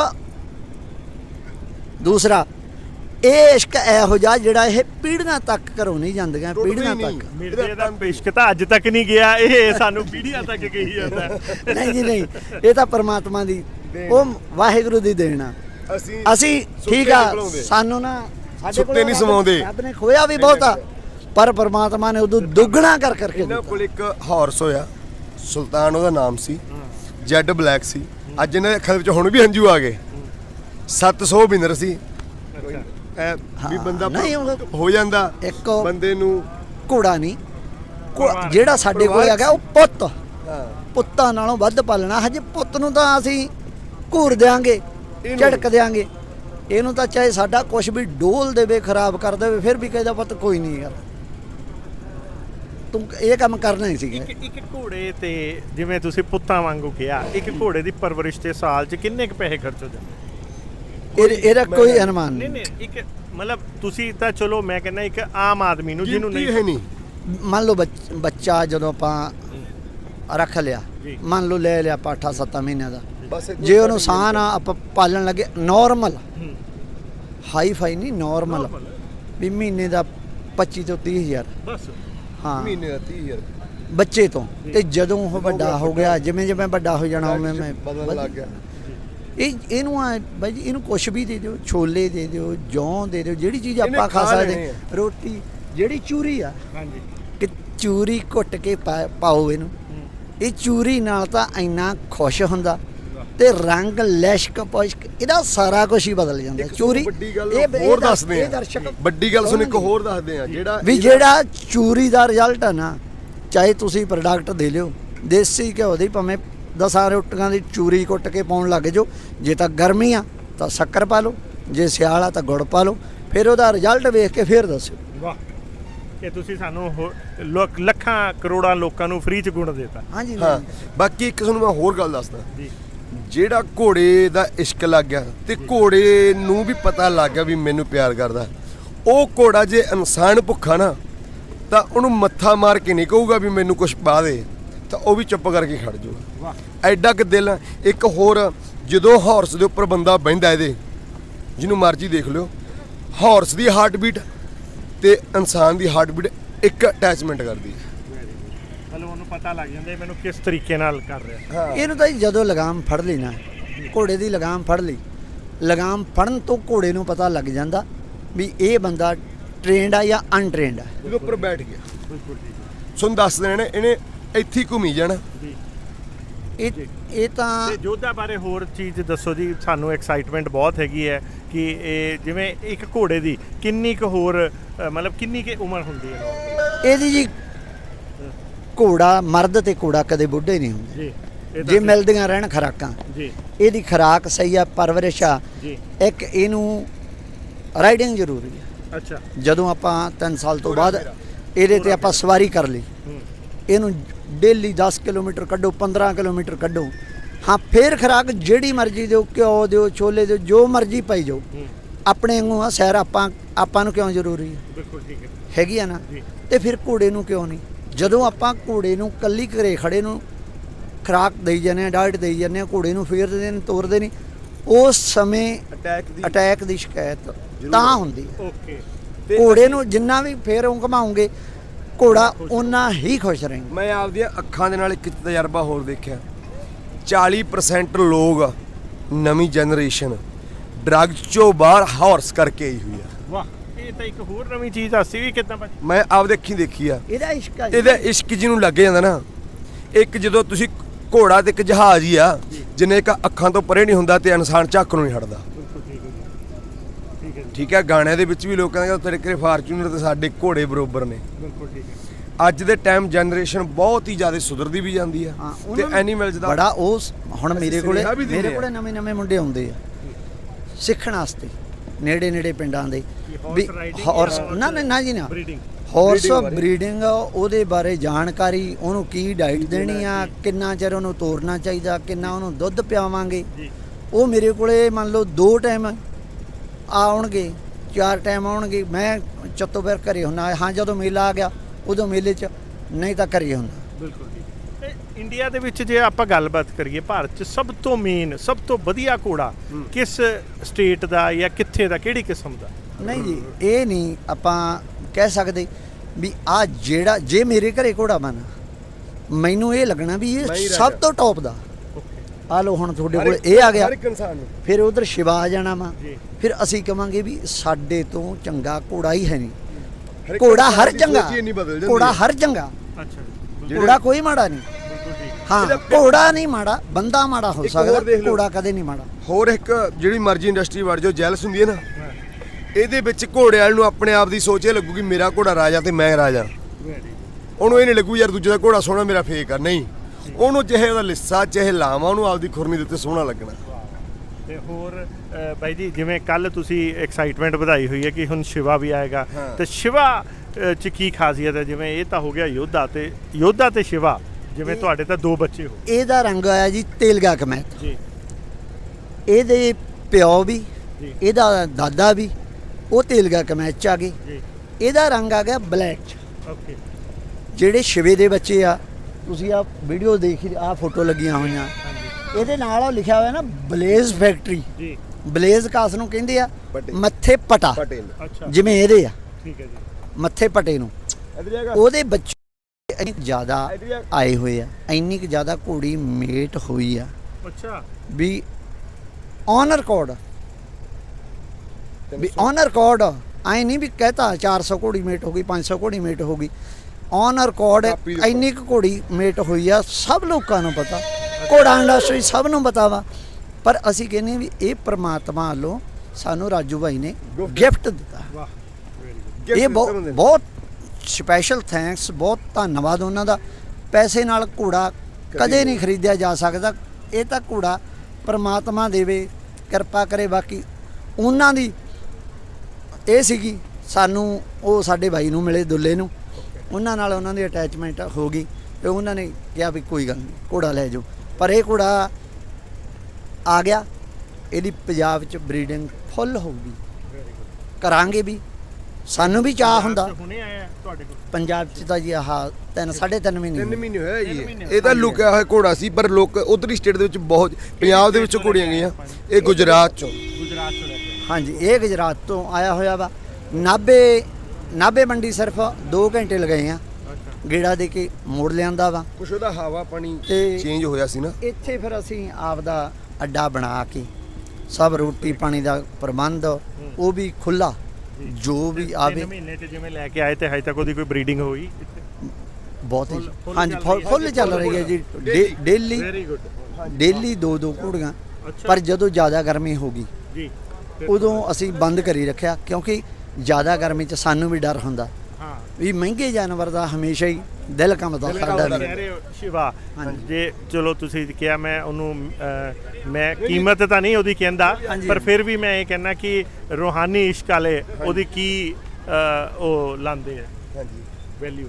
[SPEAKER 1] ਦੂਸਰਾ ਇਹ ਇਸ਼ਕ ਇਹੋ ਜਿਹਾ ਜਿਹੜਾ ਇਹ ਪੀੜ੍ਹੀਆਂ ਤੱਕ ਘਰੋਂ ਨਹੀਂ ਜਾਂਦੀਆਂ, ਪੀੜ੍ਹੀਆਂ ਤੱਕ।
[SPEAKER 2] ਮੇਰੇ ਦਾ ਇਸ਼ਕ ਤਾਂ ਅੱਜ ਤੱਕ ਨਹੀਂ ਗਿਆ, ਇਹ ਸਾਨੂੰ ਪੀੜ੍ਹੀਆਂ ਤੱਕ ਕਹੀ ਜਾਂਦਾ।
[SPEAKER 1] ਨਹੀਂ ਜੀ ਨਹੀਂ, ਇਹ ਤਾਂ ਪਰਮਾਤਮਾ ਦੀ, ਉਹ ਵਾਹਿਗੁਰੂ ਦੀ ਦੇਣ ਆ। ਅਸੀਂ ਠੀਕ ਆ, ਸਾਨੂੰ ਨਾ ਸਾਡੇ
[SPEAKER 3] ਸੁੱਤੇ ਨਹੀਂ ਸਮਾਉਂਦੇ।
[SPEAKER 1] ਰੱਬ ਨੇ ਖੋਇਆ ਵੀ ਬਹੁਤਾ, ਪਰ ਪਰਮਾਤਮਾ ਨੇ ਉਦੋਂ ਦੁੱਗਣਾ ਕਰ ਕਰਕੇ
[SPEAKER 3] ਇਹਨਾਂ
[SPEAKER 1] ਦਿੱਤਾ।
[SPEAKER 3] ਕੋਲ ਇੱਕ ਹਾਰਸ ਹੋਇਆ, ਸੁਲਤਾਨ ਉਹਦਾ ਨਾਮ ਸੀ, ਜੈਡ ਬਲੈਕ ਸੀ। ਅੱਜ ਇਹਨਾਂ ਦੇ ਅੱਖਾਂ ਵਿੱਚ ਹੁਣ ਵੀ ਹੰਝੂ ਆ ਗਏ। 700 ਵਿਨਰ ਸੀ। ਵੀ ਬੰਦਾ
[SPEAKER 1] ਨਹੀਂ,
[SPEAKER 3] ਹੋ ਜਾਂਦਾ
[SPEAKER 1] ਇੱਕ
[SPEAKER 3] ਬੰਦੇ ਨੂੰ।
[SPEAKER 1] ਘੋੜਾ ਨਹੀਂ, ਜਿਹੜਾ ਸਾਡੇ ਕੋਲ ਹੈਗਾ ਉਹ ਪੁੱਤ, ਪੁੱਤਾਂ ਨਾਲੋਂ ਵੱਧ ਪਾਲਣਾ। ਹਜੇ ਪੁੱਤ ਨੂੰ ਤਾਂ ਅਸੀਂ ਘੂਰ ਦਿਆਂਗੇ, ਝੜਕ ਦਿਆਂਗੇ, ਇਹਨੂੰ ਤਾਂ ਚਾਹੇ ਸਾਡਾ ਕੁਝ ਵੀ ਡੋਲ ਦੇਵੇ, ਖਰਾਬ ਕਰ ਦੇਵੇ, ਫਿਰ ਵੀ ਕਹਿੰਦਾ ਪੁੱਤ ਕੋਈ ਨਹੀਂ ਯਾਰ, ਤੂੰ ਇਹ ਕੰਮ ਕਰਨਾ ਹੀ ਸੀਗਾ।
[SPEAKER 2] ਇੱਕ ਘੋੜੇ ਤੇ ਜਿਵੇਂ ਤੁਸੀਂ ਪੁੱਤਾਂ ਵਾਂਗੂ ਕਿਹਾ, ਇੱਕ ਘੋੜੇ ਦੀ ਪਰਵਰਿਸ਼ ਤੇ ਸਾਲ 'ਚ ਕਿੰਨੇ ਕੁ ਪੈਸੇ ਖਰਚ ਹੋ ਜਾਂਦੇ?
[SPEAKER 1] ਇਹਦਾ ਕੋਈ ਅਨੁਮਾਨ
[SPEAKER 2] ਨਹੀਂ
[SPEAKER 1] ਨਹੀਂ।
[SPEAKER 2] ਨਹੀਂ, ਇੱਕ ਮਤਲਬ ਤੁਸੀਂ ਤਾਂ ਚਲੋ ਮੈਂ ਕਹਿੰਦਾ ਇੱਕ ਆਮ ਆਦਮੀ ਨੂੰ ਜਿਹਨੂੰ
[SPEAKER 3] ਗਿਣਤੀ
[SPEAKER 2] ਨਹੀਂ
[SPEAKER 3] ਹੈ ਨਹੀਂ।
[SPEAKER 1] ਮੰਨ ਲਓ ਬੱਚਾ ਜਦੋਂ ਆਪਾਂ ਰੱਖ ਲਿਆ, ਮੰਨ ਲਓ ਲੈ ਲਿਆ ਆਪਾਂ 8-7 ਮਹੀਨਿਆਂ ਦਾ,
[SPEAKER 3] ਬਸ
[SPEAKER 1] ਜੇ ਉਹਨੂੰ ਸਾਹ ਨਾ ਆਪਾਂ ਪਾਲਣ ਲੱਗੇ, ਨੋਰਮਲ ਹਾਈ ਫਾਈ ਨਹੀਂ, ਨੋਰਮਲ ਵੀ ਮਹੀਨੇ ਦਾ 25 ਤੋਂ 30 ਹਜ਼ਾਰ
[SPEAKER 2] ਬਸ
[SPEAKER 1] ਹਾਂ
[SPEAKER 3] ਮਹੀਨੇ ਦਾ 30,000
[SPEAKER 1] ਬੱਚੇ ਤੋਂ। ਤੇ ਜਦੋਂ ਉਹ ਵੱਡਾ ਹੋ ਗਿਆ, ਜਿਵੇਂ ਜਿਵੇਂ ਵੱਡਾ ਹੋ ਜਾਣਾ ਉਵੇਂ ਮੈਂ
[SPEAKER 3] ਬਦਲਣ ਲੱਗ ਗਿਆ।
[SPEAKER 1] ਇਹਨੂੰ ਆ ਬਾਈ ਜੀ, ਇਹਨੂੰ ਕੁਛ ਵੀ ਦੇ ਦਿਓ, ਛੋਲੇ ਦੇ ਦਿਓ, ਜੌਂ ਦੇ ਦਿਓ, ਜਿਹੜੀ ਚੀਜ਼
[SPEAKER 3] ਇਹਨੇ
[SPEAKER 1] ਆਪਾਂ ਖਾ
[SPEAKER 3] ਖਾ
[SPEAKER 1] ਸਕਦੇ,
[SPEAKER 3] ਲੈਣੇ ਆ।
[SPEAKER 1] ਰੋਟੀ ਜਿਹੜੀ ਚੂਰੀ ਆ,
[SPEAKER 2] ਹਾਂਜੀ
[SPEAKER 1] ਕਿ ਚੂਰੀ ਘੁੱਟ ਕੇ ਪਾਓ ਇਹਨੂੰ, ਇਹ ਚੂਰੀ ਨਾਲ ਤਾਂ ਇੰਨਾ ਖੁਸ਼ ਹੁੰਦਾ, ਤੇ ਰੰਗ ਲਿਸ਼ਕ ਪੁਸ਼ਕ ਇਹਦਾ ਸਾਰਾ ਕੁਝ ਹੀ ਬਦਲ ਜਾਂਦਾ। ਚੂਰੀ
[SPEAKER 3] ਵੱਡੀ ਗੱਲ ਹੋਰ ਦੱਸਦੇ ਆ, ਵੱਡੀ ਗੱਲ ਸੁਣ ਇੱਕ ਹੋਰ ਦੱਸਦੇ ਆ,
[SPEAKER 1] ਜਿਹੜਾ ਚੂਰੀ ਦਾ ਰਿਜ਼ਲਟ ਆ ਨਾ, ਚਾਹੇ ਤੁਸੀਂ ਪ੍ਰੋਡਕਟ ਦੇ ਲਿਓ ਦੇਸੀ ਘਿਓ ਦੀ, ਭਾਵੇਂ 10 ਰੋਟੀਆਂ ਦੀ ਚੂਰੀ ਕੁੱਟ ਕੇ ਪਾਉਣ ਲੱਗ ਜਾਓ, ਜੇ ਤਾਂ ਗਰਮੀ ਆ ਤਾਂ ਸ਼ੱਕਰ ਪਾ ਲਓ, ਜੇ ਸਿਆਲ ਆ ਤਾਂ ਗੁੜ ਪਾ ਲਓ, ਫਿਰ ਉਹਦਾ ਰਿਜ਼ਲਟ ਵੇਖ ਕੇ ਫਿਰ ਦੱਸਿਓ।
[SPEAKER 2] ਵਾਹ, ਇਹ ਤੁਸੀਂ ਸਾਨੂੰ ਲੱਖਾਂ ਕਰੋੜਾਂ ਲੋਕਾਂ ਨੂੰ ਫ੍ਰੀ 'ਚ ਗੁਣ ਦੇਤਾ।
[SPEAKER 1] ਹਾਂਜੀ
[SPEAKER 3] ਹਾਂ। ਬਾਕੀ ਇੱਕ ਤੁਹਾਨੂੰ ਮੈਂ ਹੋਰ ਗੱਲ ਦੱਸਦਾ,
[SPEAKER 2] ਜੀ
[SPEAKER 3] ਜਿਹੜਾ ਘੋੜੇ ਦਾ ਇਸ਼ਕ ਲੱਗ ਗਿਆ ਤੇ ਘੋੜੇ ਨੂੰ ਵੀ ਪਤਾ ਲੱਗ ਗਿਆ ਵੀ ਮੈਨੂੰ ਪਿਆਰ ਕਰਦਾ, ਉਹ ਘੋੜਾ ਜੇ ਇਨਸਾਨ ਭੁੱਖਾ ਨਾ ਤਾਂ ਉਹਨੂੰ ਮੱਥਾ ਮਾਰ ਕੇ ਨਹੀਂ ਕਹੂਗਾ ਵੀ ਮੈਨੂੰ ਕੁਝ ਪਾ ਦੇ, ਤਾਂ ਉਹ ਵੀ ਚੁੱਪ ਕਰਕੇ ਖੜ ਜਾਊਗਾ। ਐਡਾ ਕਿ ਦਿਲ। ਇੱਕ ਹੋਰ, ਜਦੋਂ ਹਾਰਸ ਦੇ ਉੱਪਰ ਬੰਦਾ ਬਹਿੰਦਾ, ਇਹਦੇ ਜਿਹਨੂੰ ਮਰਜ਼ੀ ਦੇਖ ਲਿਓ, ਹਾਰਸ ਦੀ ਹਾਰਟ ਬੀਟ ਤੇ ਇਨਸਾਨ ਦੀ ਹਾਰਟ ਬੀਟ ਇੱਕ ਅਟੈਚਮੈਂਟ ਕਰਦੀ ਹੈ।
[SPEAKER 2] ਮਤਲਬ ਉਹਨੂੰ ਪਤਾ ਲੱਗ ਜਾਂਦਾ ਮੈਨੂੰ ਕਿਸ ਤਰੀਕੇ ਨਾਲ ਕਰ ਰਿਹਾ।
[SPEAKER 1] ਇਹਨੂੰ ਤਾਂ ਜਦੋਂ ਲਗਾਮ ਫੜ ਲਈ ਨਾ, ਘੋੜੇ ਦੀ ਲਗਾਮ ਫੜ ਲਈ, ਲਗਾਮ ਫੜਨ ਤੋਂ ਘੋੜੇ ਨੂੰ ਪਤਾ ਲੱਗ ਜਾਂਦਾ ਵੀ ਇਹ ਬੰਦਾ ਟ੍ਰੇਨਡ ਆ ਜਾਂ ਅਨਟ੍ਰੇਨਡ ਆ।
[SPEAKER 3] ਇਹਦੇ ਉੱਪਰ ਬੈਠ ਗਿਆ, ਤੁਹਾਨੂੰ ਦੱਸ ਦੇਣਾ ਇਹਨੇ ਇੱਥੇ ਘੁੰਮੀ ਜਾਣਾ।
[SPEAKER 1] ਇਹ ਤਾਂ
[SPEAKER 2] ਤੇ ਯੋਧਾ ਬਾਰੇ ਹੋਰ ਚੀਜ਼ ਦੱਸੋ ਜੀ, ਸਾਨੂੰ ਐਕਸਾਈਟਮੈਂਟ ਬਹੁਤ ਹੈਗੀ ਹੈ ਕਿ ਇਹ ਜਿਵੇਂ ਇੱਕ ਘੋੜੇ ਦੀ ਕਿੰਨੀ ਕੁ ਹੋਰ ਮਤਲਬ ਕਿੰਨੀ ਕੁ ਉਮਰ ਹੁੰਦੀ ਹੈ
[SPEAKER 1] ਇਹਦੀ ਜੀ? ਘੋੜਾ ਮਰਦ ਤੇ ਘੋੜਾ ਕਦੇ ਬੁੱਢੇ ਨਹੀਂ ਹੁੰਦੇ
[SPEAKER 2] ਜੀ,
[SPEAKER 1] ਜੇ ਮਿਲਦੀਆਂ ਰਹਿਣ ਖੁਰਾਕਾਂ।
[SPEAKER 2] ਜੀ
[SPEAKER 1] ਇਹਦੀ ਖੁਰਾਕ ਸਹੀ ਆ, ਪਰਵਰਿਸ਼ ਆ,
[SPEAKER 2] ਜੀ।
[SPEAKER 1] ਇੱਕ ਇਹਨੂੰ ਰਾਈਡਿੰਗ ਜ਼ਰੂਰੀ ਆ।
[SPEAKER 2] ਅੱਛਾ,
[SPEAKER 1] ਜਦੋਂ ਆਪਾਂ 3 ਸਾਲ ਤੋਂ ਬਾਅਦ ਇਹਦੇ ਤੇ ਆਪਾਂ ਸਵਾਰੀ ਕਰ ਲਈ, ਇਹਨੂੰ ਡੇਲੀ 10 ਕਿਲੋਮੀਟਰ ਕੱਢੋ, 15 ਕਿਲੋਮੀਟਰ ਕੱਢੋ, ਹਾਂ ਫਿਰ ਖੁਰਾਕ ਜਿਹੜੀ ਮਰਜ਼ੀ ਦਿਓ, ਘਿਓ ਦਿਓ, ਛੋਲੇ ਦਿਓ, ਜੋ ਮਰਜ਼ੀ ਪਾਈ ਜਾਓ, ਆਪਣੇ ਵਾਂਗੂ ਆ। ਸੈਰ ਆਪਾਂ ਨੂੰ ਕਿਉਂ ਜ਼ਰੂਰੀ ਹੈ?
[SPEAKER 2] ਬਿਲਕੁਲ ਠੀਕ ਹੈ,
[SPEAKER 1] ਹੈਗੀ ਆ ਨਾ। ਤੇ ਫਿਰ ਘੋੜੇ ਨੂੰ ਕਿਉਂ ਨਹੀਂ? ਜਦੋਂ ਆਪਾਂ ਘੋੜੇ ਨੂੰ ਕੱਲੀ ਘਰੇ ਖੜੇ ਨੂੰ ਖੁਰਾਕ ਦੇਈ ਜਾਂਦੇ ਆ, ਡਾਇਟ ਦੇਈ ਜਾਂਦੇ ਆ, ਘੋੜੇ ਨੂੰ ਫੇਰਦੇ ਨੇ, ਤੋਰਦੇ ਨਹੀਂ, ਉਸ ਸਮੇਂ ਅਟੈਕ ਦੀ ਸ਼ਿਕਾਇਤ ਤਾਂ ਹੁੰਦੀ ਹੈ।
[SPEAKER 2] ਓਕੇ,
[SPEAKER 1] ਘੋੜੇ ਨੂੰ ਜਿੰਨਾ ਵੀ ਫੇਰੋਂ ਘਮਾਉਂਗੇ, ਘੋੜਾ ਓਨਾ ਹੀ ਖੁਸ਼ ਰਹੇਗਾ।
[SPEAKER 3] ਮੈਂ ਆਪਦੀਆਂ ਅੱਖਾਂ ਦੇ ਨਾਲ ਇੱਕ ਤਜਰਬਾ ਹੋਰ ਦੇਖਿਆ, 40% ਲੋਕ ਨਵੀਂ ਜਨਰੇਸ਼ਨ ਡਰੱਗ ਚੋਂ ਬਾਹਰ ਹਾਰਸ ਕਰਕੇ ਆਈ ਹੋਈ ਆ।
[SPEAKER 2] ਵਾਹ, ਇਹ ਤਾਂ ਇੱਕ ਹੋਰ ਨਵੀਂ ਚੀਜ਼ ਦੱਸੀ ਵੀ ਕਿੱਦਾਂ ਬਚ।
[SPEAKER 3] ਮੈਂ ਆਪਦੇ ਅੱਖੀਂ ਦੇਖੀ ਆ।
[SPEAKER 1] ਇਹਦਾ ਇਸ਼ਕ ਆ,
[SPEAKER 3] ਇਹਦਾ ਇਸ਼ਕ ਜਿਹਨੂੰ ਲੱਗ ਜਾਂਦਾ ਨਾ, ਇੱਕ ਜਦੋਂ ਤੁਸੀਂ ਘੋੜਾ ਤੇ ਇੱਕ ਜਹਾਜ਼ ਹੀ ਆ, ਜਿੰਨੇ ਇੱਕ ਅੱਖਾਂ ਤੋਂ ਪਰੇ ਨਹੀਂ ਹੁੰਦਾ ਤੇ ਇਨਸਾਨ ਝੱਕ ਨੂੰ ਨਹੀਂ ਹਟਦਾ। ਠੀਕ ਹੈ, ਗਾਣਿਆਂ ਦੇ ਵਿੱਚ ਵੀ ਲੋਕਾਂ ਦਾ ਤੇਰੇ ਘਰੇ ਫਾਰਚੂਨਰ ਤੇ ਸਾਡੇ ਘੋੜੇ ਬਰੋਬਰ ਨੇ।
[SPEAKER 2] ਬਿਲਕੁਲ ਠੀਕ ਹੈ।
[SPEAKER 3] ਅੱਜ ਦੇ ਟਾਈਮ ਜਨਰੇਸ਼ਨ ਬਹੁਤ ਹੀ ਜ਼ਿਆਦਾ ਸੁਧਰਦੀ ਵੀ ਜਾਂਦੀ ਆ, ਤੇ ਐਨੀਮਲਸ ਦਾ
[SPEAKER 1] ਬੜਾ ਉਸ ਹੁਣ ਮੇਰੇ ਕੋਲੇ
[SPEAKER 3] ਸੁਨੇਹਾ ਵੀ
[SPEAKER 1] ਨਵੇਂ ਮੁੰਡੇ ਆਉਂਦੇ ਆ ਸਿੱਖਣ ਵਾਸਤੇ, ਨੇੜੇ ਪਿੰਡਾਂ ਦੇ ਵੀ ਹਾਰਸ ਨਾ ਜੀ ਨਾ, ਹਾਰਸ ਬਰੀਡਿੰਗ, ਉਹਦੇ ਬਾਰੇ ਜਾਣਕਾਰੀ, ਉਹਨੂੰ ਕੀ ਡਾਈਟ ਦੇਣੀ ਆ, ਕਿੰਨਾ ਚਿਰ ਉਹਨੂੰ ਤੋਰਨਾ ਚਾਹੀਦਾ, ਕਿੰਨਾ ਉਹਨੂੰ ਦੁੱਧ ਪਿਆਵਾਂਗੇ, ਉਹ ਮੇਰੇ ਕੋਲੇ ਮੰਨ ਲਓ 2 ਟਾਈਮ ਆਉਣਗੇ, 4 ਟਾਈਮ ਆਉਣਗੇ, ਮੈਂ ਚੱਤੋ ਫਿਰ ਘਰੇ ਹੁੰਦਾ। ਹਾਂ, ਜਦੋਂ ਮੇਲਾ ਆ ਗਿਆ ਉਦੋਂ ਮੇਲੇ 'ਚ, ਨਹੀਂ ਤਾਂ ਘਰੇ ਹੁੰਦਾ।
[SPEAKER 2] ਬਿਲਕੁਲ ਜੀ। ਇੰਡੀਆ ਦੇ ਵਿੱਚ ਜੇ ਆਪਾਂ ਗੱਲਬਾਤ ਕਰੀਏ, ਭਾਰਤ 'ਚ ਸਭ ਤੋਂ ਮੇਨ, ਸਭ ਤੋਂ ਵਧੀਆ ਘੋੜਾ ਕਿਸ ਸਟੇਟ ਦਾ ਜਾਂ ਕਿੱਥੇ ਦਾ, ਕਿਹੜੀ ਕਿਸਮ ਦਾ?
[SPEAKER 1] ਨਹੀਂ ਜੀ, ਇਹ ਨਹੀਂ ਆਪਾਂ ਕਹਿ ਸਕਦੇ ਵੀ ਆ ਜਿਹੜਾ, ਜੇ ਮੇਰੇ ਘਰੇ ਘੋੜਾ ਬਣਾ, ਮੈਨੂੰ ਇਹ ਲੱਗਣਾ ਵੀ ਇਹ ਸਭ ਤੋਂ ਟੌਪ ਦਾ। ਆ ਲੋ ਹੁਣ ਤੁਹਾਡੇ ਕੋਲ ਇਹ ਆ ਗਿਆ, ਫਿਰ ਉਧਰ ਸ਼ਿਵਾ ਆ ਜਾਣਾ ਵਾ, ਫਿਰ ਅਸੀਂ ਕਵਾਂਗੇ ਵੀ ਸਾਡੇ ਤੋਂ ਚੰਗਾ ਘੋੜਾ ਹੀ ਹੈ ਨਹੀਂ। ਘੋੜਾ ਹਰ ਚੰਗਾ, ਘੋੜਾ ਹਰ ਚੰਗਾ, ਘੋੜਾ ਕੋਈ ਮਾੜਾ ਨਹੀਂ। ਹਾਂ, ਘੋੜਾ ਨਹੀਂ ਮਾੜਾ, ਬੰਦਾ ਮਾੜਾ ਹੋ ਸਕਦਾ, ਘੋੜਾ ਕਦੇ ਨਹੀਂ ਮਾੜਾ।
[SPEAKER 3] ਹੋਰ ਇੱਕ ਜਿਹੜੀ ਮਰਜ਼ੀ ਇੰਡਸਟਰੀ ਵੜ ਜਾਓ, ਜੈਲਸ ਹੁੰਦੀ ਹੈ ਨਾ, ਇਹਦੇ ਵਿੱਚ ਘੋੜੇ ਵਾਲੇ ਨੂੰ ਆਪਣੇ ਆਪ ਦੀ ਸੋਚ ਇਹ ਲੱਗੂਗੀ ਮੇਰਾ ਘੋੜਾ ਰਾਜਾ ਤੇ ਮੈਂ ਰਾਜਾ। ਉਹਨੂੰ ਇਹ ਨਹੀਂ ਲੱਗੂ ਯਾਰ ਦੂਜੇ ਦਾ ਘੋੜਾ ਸੋਹਣਾ ਮੇਰਾ ਫੇਕ ਆ, ਨਹੀਂ। ਉਹਨੂੰ ਚਾਹੇ ਉਹਦਾ ਲਿੱਸਾ ਚਾਹੇ ਲਾਵਾ, ਉਹਨੂੰ ਆਪਦੀ ਖੁਰਨੀ ਦੇ ਉੱਤੇ ਸੋਹਣਾ ਲੱਗਣਾ।
[SPEAKER 2] ਤੇ ਹੋਰ ਬਾਈ ਜੀ, ਜਿਵੇਂ ਕੱਲ ਤੁਸੀਂ ਐਕਸਾਈਟਮੈਂਟ ਵਧਾਈ ਹੋਈ ਹੈ ਕਿ ਹੁਣ ਸ਼ਿਵਾ ਵੀ ਆਏਗਾ, ਤੇ ਸ਼ਿਵਾ 'ਚ ਕੀ ਖਾਸੀਅਤ ਹੈ? ਜਿਵੇਂ ਇਹ ਤਾਂ ਹੋ ਗਿਆ ਯੋਧਾ ਤੇ ਸ਼ਿਵਾ, ਜਿਵੇਂ ਤੁਹਾਡੇ ਤਾਂ 2 ਬੱਚੇ ਹੋ।
[SPEAKER 1] ਇਹਦਾ ਰੰਗ ਆਇਆ ਜੀ ਤੇਲਗਾ ਕਮੈਤ
[SPEAKER 2] ਜੀ,
[SPEAKER 1] ਇਹਦੇ ਪਿਓ ਵੀ,
[SPEAKER 2] ਜੀ,
[SPEAKER 1] ਇਹਦਾ ਦਾਦਾ ਵੀ ਉਹ ਤੇਲਗਾ ਕਮੈਤ 'ਚ ਆ ਗਏ
[SPEAKER 2] ਜੀ।
[SPEAKER 1] ਇਹਦਾ ਰੰਗ ਆ ਗਿਆ ਬਲੈਕ 'ਚ।
[SPEAKER 2] ਓਕੇ।
[SPEAKER 1] ਜਿਹੜੇ ਸ਼ਿਵੇ ਦੇ ਬੱਚੇ ਆ, ਤੁਸੀਂ ਆ ਵੀਡੀਓ ਦੇਖੀ, ਆ ਫੋਟੋ ਲੱਗੀਆਂ ਹੋਈਆਂ, ਇਹਦੇ ਨਾਲ ਉਹ ਲਿਖਿਆ ਹੋਇਆ ਨਾ ਬਲੇਜ਼ ਫੈਕਟਰੀ। ਜੀ। ਬਲੇਜ਼ ਕਾਸ ਨੂੰ ਕਹਿੰਦੇ ਆ, ਮੱਥੇ ਪਟਾ, ਜਿਵੇਂ ਇਹਦੇ ਆ,
[SPEAKER 2] ਠੀਕ ਹੈ ਜੀ,
[SPEAKER 1] ਮੱਥੇ ਪਟੇ ਨੂੰ। ਉਹਦੇ ਬੱਚੇ ਇੰਨੇ ਜ਼ਿਆਦਾ ਆਏ ਹੋਏ ਆ, ਇੰਨੀ ਕੁ ਜ਼ਿਆਦਾ ਘੋੜੀ ਮੇਟ ਹੋਈ ਆ।
[SPEAKER 2] ਅੱਛਾ।
[SPEAKER 1] ਵੀ ਔਨ ਰਿਕਾਰਡ, ਵੀ ਔਨ ਰਿਕਾਰਡ ਆਏ ਨਹੀਂ ਵੀ ਕਹਤਾ 400 ਘੋੜੀ ਮੇਟ ਹੋ ਗਈ, 500 ਘੋੜੀ ਮੇਟ ਹੋ ਗਈ। ਔਨ ਰਿਕਾਰਡ ਇੰਨੀ ਕੁ ਘੋੜੀ ਮੇਟ ਹੋਈ ਆ, ਸਭ ਲੋਕਾਂ ਨੂੰ ਪਤਾ, ਘੋੜਾ ਇੰਡਸਟਰੀ ਸਭ ਨੂੰ ਪਤਾ ਵਾ। ਪਰ ਅਸੀਂ ਕਹਿੰਦੇ ਵੀ ਇਹ ਪ੍ਰਮਾਤਮਾ ਵੱਲੋਂ ਸਾਨੂੰ ਰਾਜੂ ਭਾਈ ਨੇ ਗਿਫਟ ਦਿੱਤਾ।
[SPEAKER 2] ਵਾਹ,
[SPEAKER 1] ਇਹ ਬਹੁਤ ਸਪੈਸ਼ਲ ਥੈਂਕਸ, ਬਹੁਤ ਧੰਨਵਾਦ ਉਹਨਾਂ ਦਾ। ਪੈਸੇ ਨਾਲ ਘੋੜਾ ਕਦੇ ਨਹੀਂ ਖਰੀਦਿਆ ਜਾ ਸਕਦਾ। ਇਹ ਤਾਂ ਘੋੜਾ ਪ੍ਰਮਾਤਮਾ ਦੇਵੇ, ਕਿਰਪਾ ਕਰੇ। ਬਾਕੀ ਉਹਨਾਂ ਦੀ ਇਹ ਸੀਗੀ, ਸਾਨੂੰ ਉਹ ਸਾਡੇ ਭਾਈ ਨੂੰ ਮਿਲੇ, ਦੁੱਲੇ ਨੂੰ, ਉਹਨਾਂ ਨਾਲ ਉਹਨਾਂ ਦੀ ਅਟੈਚਮੈਂਟ ਹੋ ਗਈ ਤੇ ਉਹਨਾਂ ਨੇ ਕਿਹਾ ਵੀ ਕੋਈ ਗੱਲ ਨਹੀਂ, ਘੋੜਾ ਲੈ ਜਾਓ। ਪਰ ਇਹ ਘੋੜਾ ਆ ਗਿਆ, ਇਹਦੀ ਪੰਜਾਬ 'ਚ ਬਰੀਡਿੰਗ ਫੁੱਲ ਹੋਊਗੀ, ਕਰਾਂਗੇ ਵੀ। ਸਾਨੂੰ ਵੀ ਚਾਹ ਹੁੰਦਾ।
[SPEAKER 2] ਹੁਣੇ ਆਇਆ ਤੁਹਾਡੇ ਕੋਲ
[SPEAKER 1] ਪੰਜਾਬ 'ਚ ਤਾਂ ਜੀ ਆਹ 3.5 ਮਹੀਨੇ
[SPEAKER 3] ਹੋਇਆ ਜੀ। ਇਹ ਤਾਂ ਲੁਕਿਆ ਹੋਇਆ ਘੋੜਾ ਸੀ, ਪਰ ਲੋਕ ਉਧਰਲੀ ਸਟੇਟ ਦੇ ਵਿੱਚ ਬਹੁਤ, ਪੰਜਾਬ ਦੇ ਵਿੱਚ ਘੋੜੀਆਂ ਗਈਆਂ। ਇਹ ਗੁਜਰਾਤ 'ਚੋਂ
[SPEAKER 2] ਲੈ ਕੇ।
[SPEAKER 1] ਹਾਂਜੀ, ਇਹ ਗੁਜਰਾਤ ਤੋਂ ਆਇਆ ਹੋਇਆ ਵਾ। ਨਾਭੇ ਮੰਡੀ ਸਿਰਫ 2 ਘੰਟੇ ਲਗਾਏ ਆ, ਗੇੜਾ ਦੇ ਕੇ ਮੋੜ ਲਿਆਂਦਾ ਵਾ।
[SPEAKER 3] ਕੁਛ ਉਹਦਾ ਹਵਾ ਪਾਣੀ
[SPEAKER 1] ਤੇ
[SPEAKER 3] ਚੇਂਜ ਹੋਇਆ ਸੀ ਨਾ
[SPEAKER 1] ਇੱਥੇ। ਫਿਰ ਅਸੀਂ ਆਪਦਾ ਅੱਡਾ ਬਣਾ ਕੇ ਸਭ ਰੋਟੀ ਪਾਣੀ ਦਾ ਪ੍ਰਬੰਧ ਉਹ ਵੀ ਖੁੱਲਾ, ਜੋ ਵੀ ਆਵੇ।
[SPEAKER 2] ਮਹੀਨੇ 'ਚ ਜਿਵੇਂ ਲੈ ਕੇ ਆਏ ਤੇ ਹਜੇ ਤੱਕ ਉਹਦੀ ਕੋਈ ਬਰੀਡਿੰਗ ਹੋਈ?
[SPEAKER 1] ਬਹੁਤ ਹੀ, ਹਾਂਜੀ, ਫੁੱਲ ਚੱਲ ਰਹੀ ਹੈ ਜੀ। Daily
[SPEAKER 2] very good.
[SPEAKER 1] ਡੇਲੀ 2 ਘੋੜੀਆਂ। ਪਰ ਜਦੋਂ ਜ਼ਿਆਦਾ ਗਰਮੀ ਹੋ ਗਈ
[SPEAKER 2] ਜੀ,
[SPEAKER 1] ਉਦੋਂ ਅਸੀਂ ਬੰਦ ਕਰੀ ਰੱਖਿਆ, ਕਿਉਂਕਿ ਜ਼ਿਆਦਾ ਗਰਮੀ 'ਚ ਸਾਨੂੰ ਵੀ ਡਰ ਹੁੰਦਾ ਵੀ ਮਹਿੰਗੇ ਜਾਨਵਰ ਦਾ ਹਮੇਸ਼ਾ ਹੀ ਦਿਲ ਕੰਬਦਾ ਸਾਡਾ ਵੀ।
[SPEAKER 2] ਸ਼ਿਵਾ, ਜੇ ਚਲੋ ਤੁਸੀਂ ਕਿਹਾ, ਮੈਂ ਉਹਨੂੰ ਮੈਂ ਕੀਮਤ ਤਾਂ ਨਹੀਂ ਉਹਦੀ ਕਹਿੰਦਾ, ਪਰ ਫਿਰ ਵੀ ਮੈਂ ਇਹ ਕਹਿੰਦਾ ਕਿ ਰੂਹਾਨੀ ਇਸ਼ਕ ਵਾਲੇ ਉਹਦੀ ਕੀ ਉਹ ਲਾਉਂਦੇ ਆ ਵੈਲਿਊ।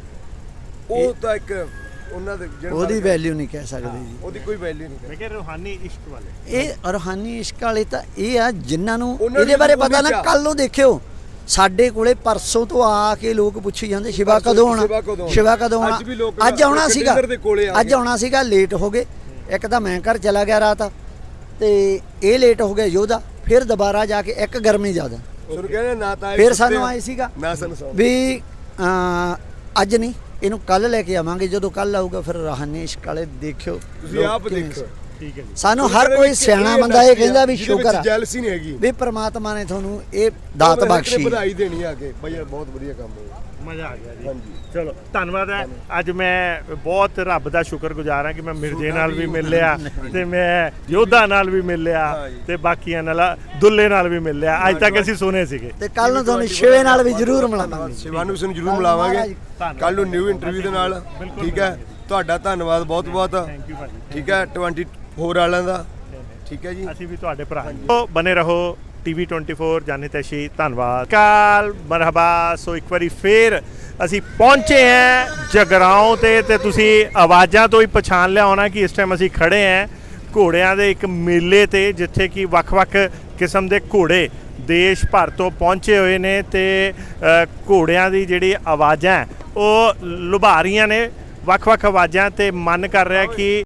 [SPEAKER 3] ਉਹ ਤਾਂ ਇੱਕ ਉਹਨਾਂ ਦੇ
[SPEAKER 1] ਉਹਦੀ ਵੈਲਿਊ ਨਹੀਂ ਕਹਿ ਸਕਦੇ ਜੀ,
[SPEAKER 3] ਉਹਦੀ ਕੋਈ ਵੈਲਿਊ ਨਹੀਂ।
[SPEAKER 2] ਮੈਂ ਕਿਹਾ ਰੂਹਾਨੀ ਇਸ਼ਕ ਵਾਲੇ,
[SPEAKER 1] ਇਹ ਰੂਹਾਨੀ ਇਸ਼ਕ ਵਾਲੇ ਤਾਂ ਇਹ ਆ ਜਿਨ੍ਹਾਂ ਨੂੰ ਇਹਦੇ ਬਾਰੇ ਪਤਾ ਨਾ। ਕੱਲ ਨੂੰ ਦੇਖਿਓ ਸਾਡੇ ਕੋਲੇ ਪਰਸੋਂ ਤੋਂ ਆ ਕੇ ਲੋਕ ਪੁੱਛੀ ਜਾਂਦੇ ਸ਼ਿਵਾ ਕਦੋਂ ਆਉਣਾ, ਸ਼ਿਵਾ ਕਦੋਂ ਆਉਣਾ। ਅੱਜ ਆਉਣਾ ਸੀਗਾ, ਲੇਟ ਹੋ ਗਏ। ਇੱਕ ਤਾਂ ਮੈਂ ਘਰ ਚਲਾ ਗਿਆ ਰਾਤ, ਤੇ ਇਹ ਲੇਟ ਹੋ ਗਿਆ ਯੋਧਾ। ਫਿਰ ਦੁਬਾਰਾ ਜਾ ਕੇ ਇੱਕ ਗਰਮੀ ਜ਼ਿਆਦਾ, ਫਿਰ ਸਾਨੂੰ ਆਏ ਸੀਗਾ ਵੀ ਅੱਜ ਨਹੀਂ, ਇਹਨੂੰ ਕੱਲ ਲੈ ਕੇ ਆਵਾਂਗੇ। ਜਦੋਂ ਕੱਲ ਆਊਗਾ ਫਿਰ ਰੂਹਾਨੀ ਇਸ਼ਕ ਵਾਲੇ ਦੇਖਿਓ,
[SPEAKER 3] ਤੁਸੀਂ ਆਪ ਦੇਖੋ।
[SPEAKER 2] ਠੀਕ ਹੈ ਜੀ।
[SPEAKER 1] ਸਾਨੂੰ ਹਰ ਕੋਈ ਸਿਆਣਾ ਬੰਦਾ ਇਹ ਕਹਿੰਦਾ ਵੀ ਸ਼ੁਕਰ ਆ
[SPEAKER 3] ਜੈਲਸੀ ਨਹੀਂ ਹੈਗੀ
[SPEAKER 1] ਵੀ ਪ੍ਰਮਾਤਮਾ ਨੇ ਤੁਹਾਨੂੰ ਇਹ ਦਾਤ ਬਖਸ਼ੀ।
[SPEAKER 3] ਵਧਾਈ ਦੇਣੀ ਆ ਕੇ ਬਈ, ਬਹੁਤ ਵਧੀਆ ਕੰਮ ਹੋਇਆ,
[SPEAKER 2] ਮਜ਼ਾ ਆ ਗਿਆ ਜੀ।
[SPEAKER 3] ਹਾਂਜੀ,
[SPEAKER 2] ਚਲੋ ਧੰਨਵਾਦ ਹੈ। ਅੱਜ ਮੈਂ ਬਹੁਤ ਰੱਬ ਦਾ ਸ਼ੁਕਰਗੁਜ਼ਾਰ ਹਾਂ ਕਿ ਮੈਂ ਮਿਰਜ਼ੇ ਨਾਲ ਵੀ ਮਿਲ ਲਿਆ, ਤੇ ਮੈਂ ਯੋਧਾ ਨਾਲ ਵੀ ਮਿਲ ਲਿਆ, ਤੇ ਬਾਕੀਆਂ ਨਾਲ, ਦੁੱਲੇ ਨਾਲ ਵੀ ਮਿਲ ਲਿਆ। ਅੱਜ ਤੱਕ ਅਸੀਂ ਸੁਣੇ ਸੀਗੇ,
[SPEAKER 1] ਤੇ ਕੱਲ ਨੂੰ ਤੁਹਾਨੂੰ ਸ਼ਿਵੇ ਨਾਲ ਵੀ ਜ਼ਰੂਰ ਮਿਲਾਵਾਂਗੇ।
[SPEAKER 3] ਸ਼ਿਵਾ ਨੂੰ ਵੀ ਸਾਨੂੰ ਜ਼ਰੂਰ ਮਿਲਾਵਾਂਗੇ ਕੱਲ ਨੂੰ ਨਿਊ ਇੰਟਰਵਿਊ ਦੇ ਨਾਲ। ਠੀਕ ਹੈ, ਤੁਹਾਡਾ ਧੰਨਵਾਦ ਬਹੁਤ ਬਹੁਤ।
[SPEAKER 2] ਥੈਂਕ ਯੂ ਭਾਜੀ।
[SPEAKER 3] ਠੀਕ ਹੈ, 24 ਵਾਲਿਆਂ ਦਾ। ਠੀਕ ਹੈ ਜੀ,
[SPEAKER 2] ਅਸੀਂ ਵੀ ਤੁਹਾਡੇ ਭਰਾ ਹਾਂ। ਬਨੇ ਰਹੋ TV 24 ਜਾਨੇ ਤੈਸ਼ੀ। ਧੰਨਵਾਦ, ਕਾਲ, ਮਰਹਬਾ। ਸੋ ਇੱਕ ਵਾਰੀ ਫੇਰ ਅਸੀਂ ਪਹੁੰਚੇ ਹਾਂ ਜਗਰਾਓਂ ਤੇ ਤੁਸੀਂ ਆਵਾਜ਼ਾਂ ਤੋਂ ਹੀ ਪਛਾਣ ਲਿਆ ਹੋਣਾ ਕਿ ਇਸ ਟਾਈਮ ਅਸੀਂ ਖੜੇ ਹਾਂ ਘੋੜਿਆਂ ਦੇ ਇੱਕ ਮੇਲੇ ਤੇ ਜਿੱਥੇ ਕਿ ਵੱਖ-ਵੱਖ ਕਿਸਮ ਦੇ ਘੋੜੇ ਦੇਸ਼ ਭਰ ਤੋਂ ਪਹੁੰਚੇ ਹੋਏ ਨੇ ਤੇ ਘੋੜਿਆਂ ਦੀ ਜਿਹੜੀ ਆਵਾਜ਼ਾਂ ਉਹ ਲੁਭਾ ਰਹੀਆਂ ਨੇ ਵੱਖ-ਵੱਖ ਆਵਾਜ਼ਾਂ ਤੇ ਮਨ ਕਰ ਰਿਹਾ ਕਿ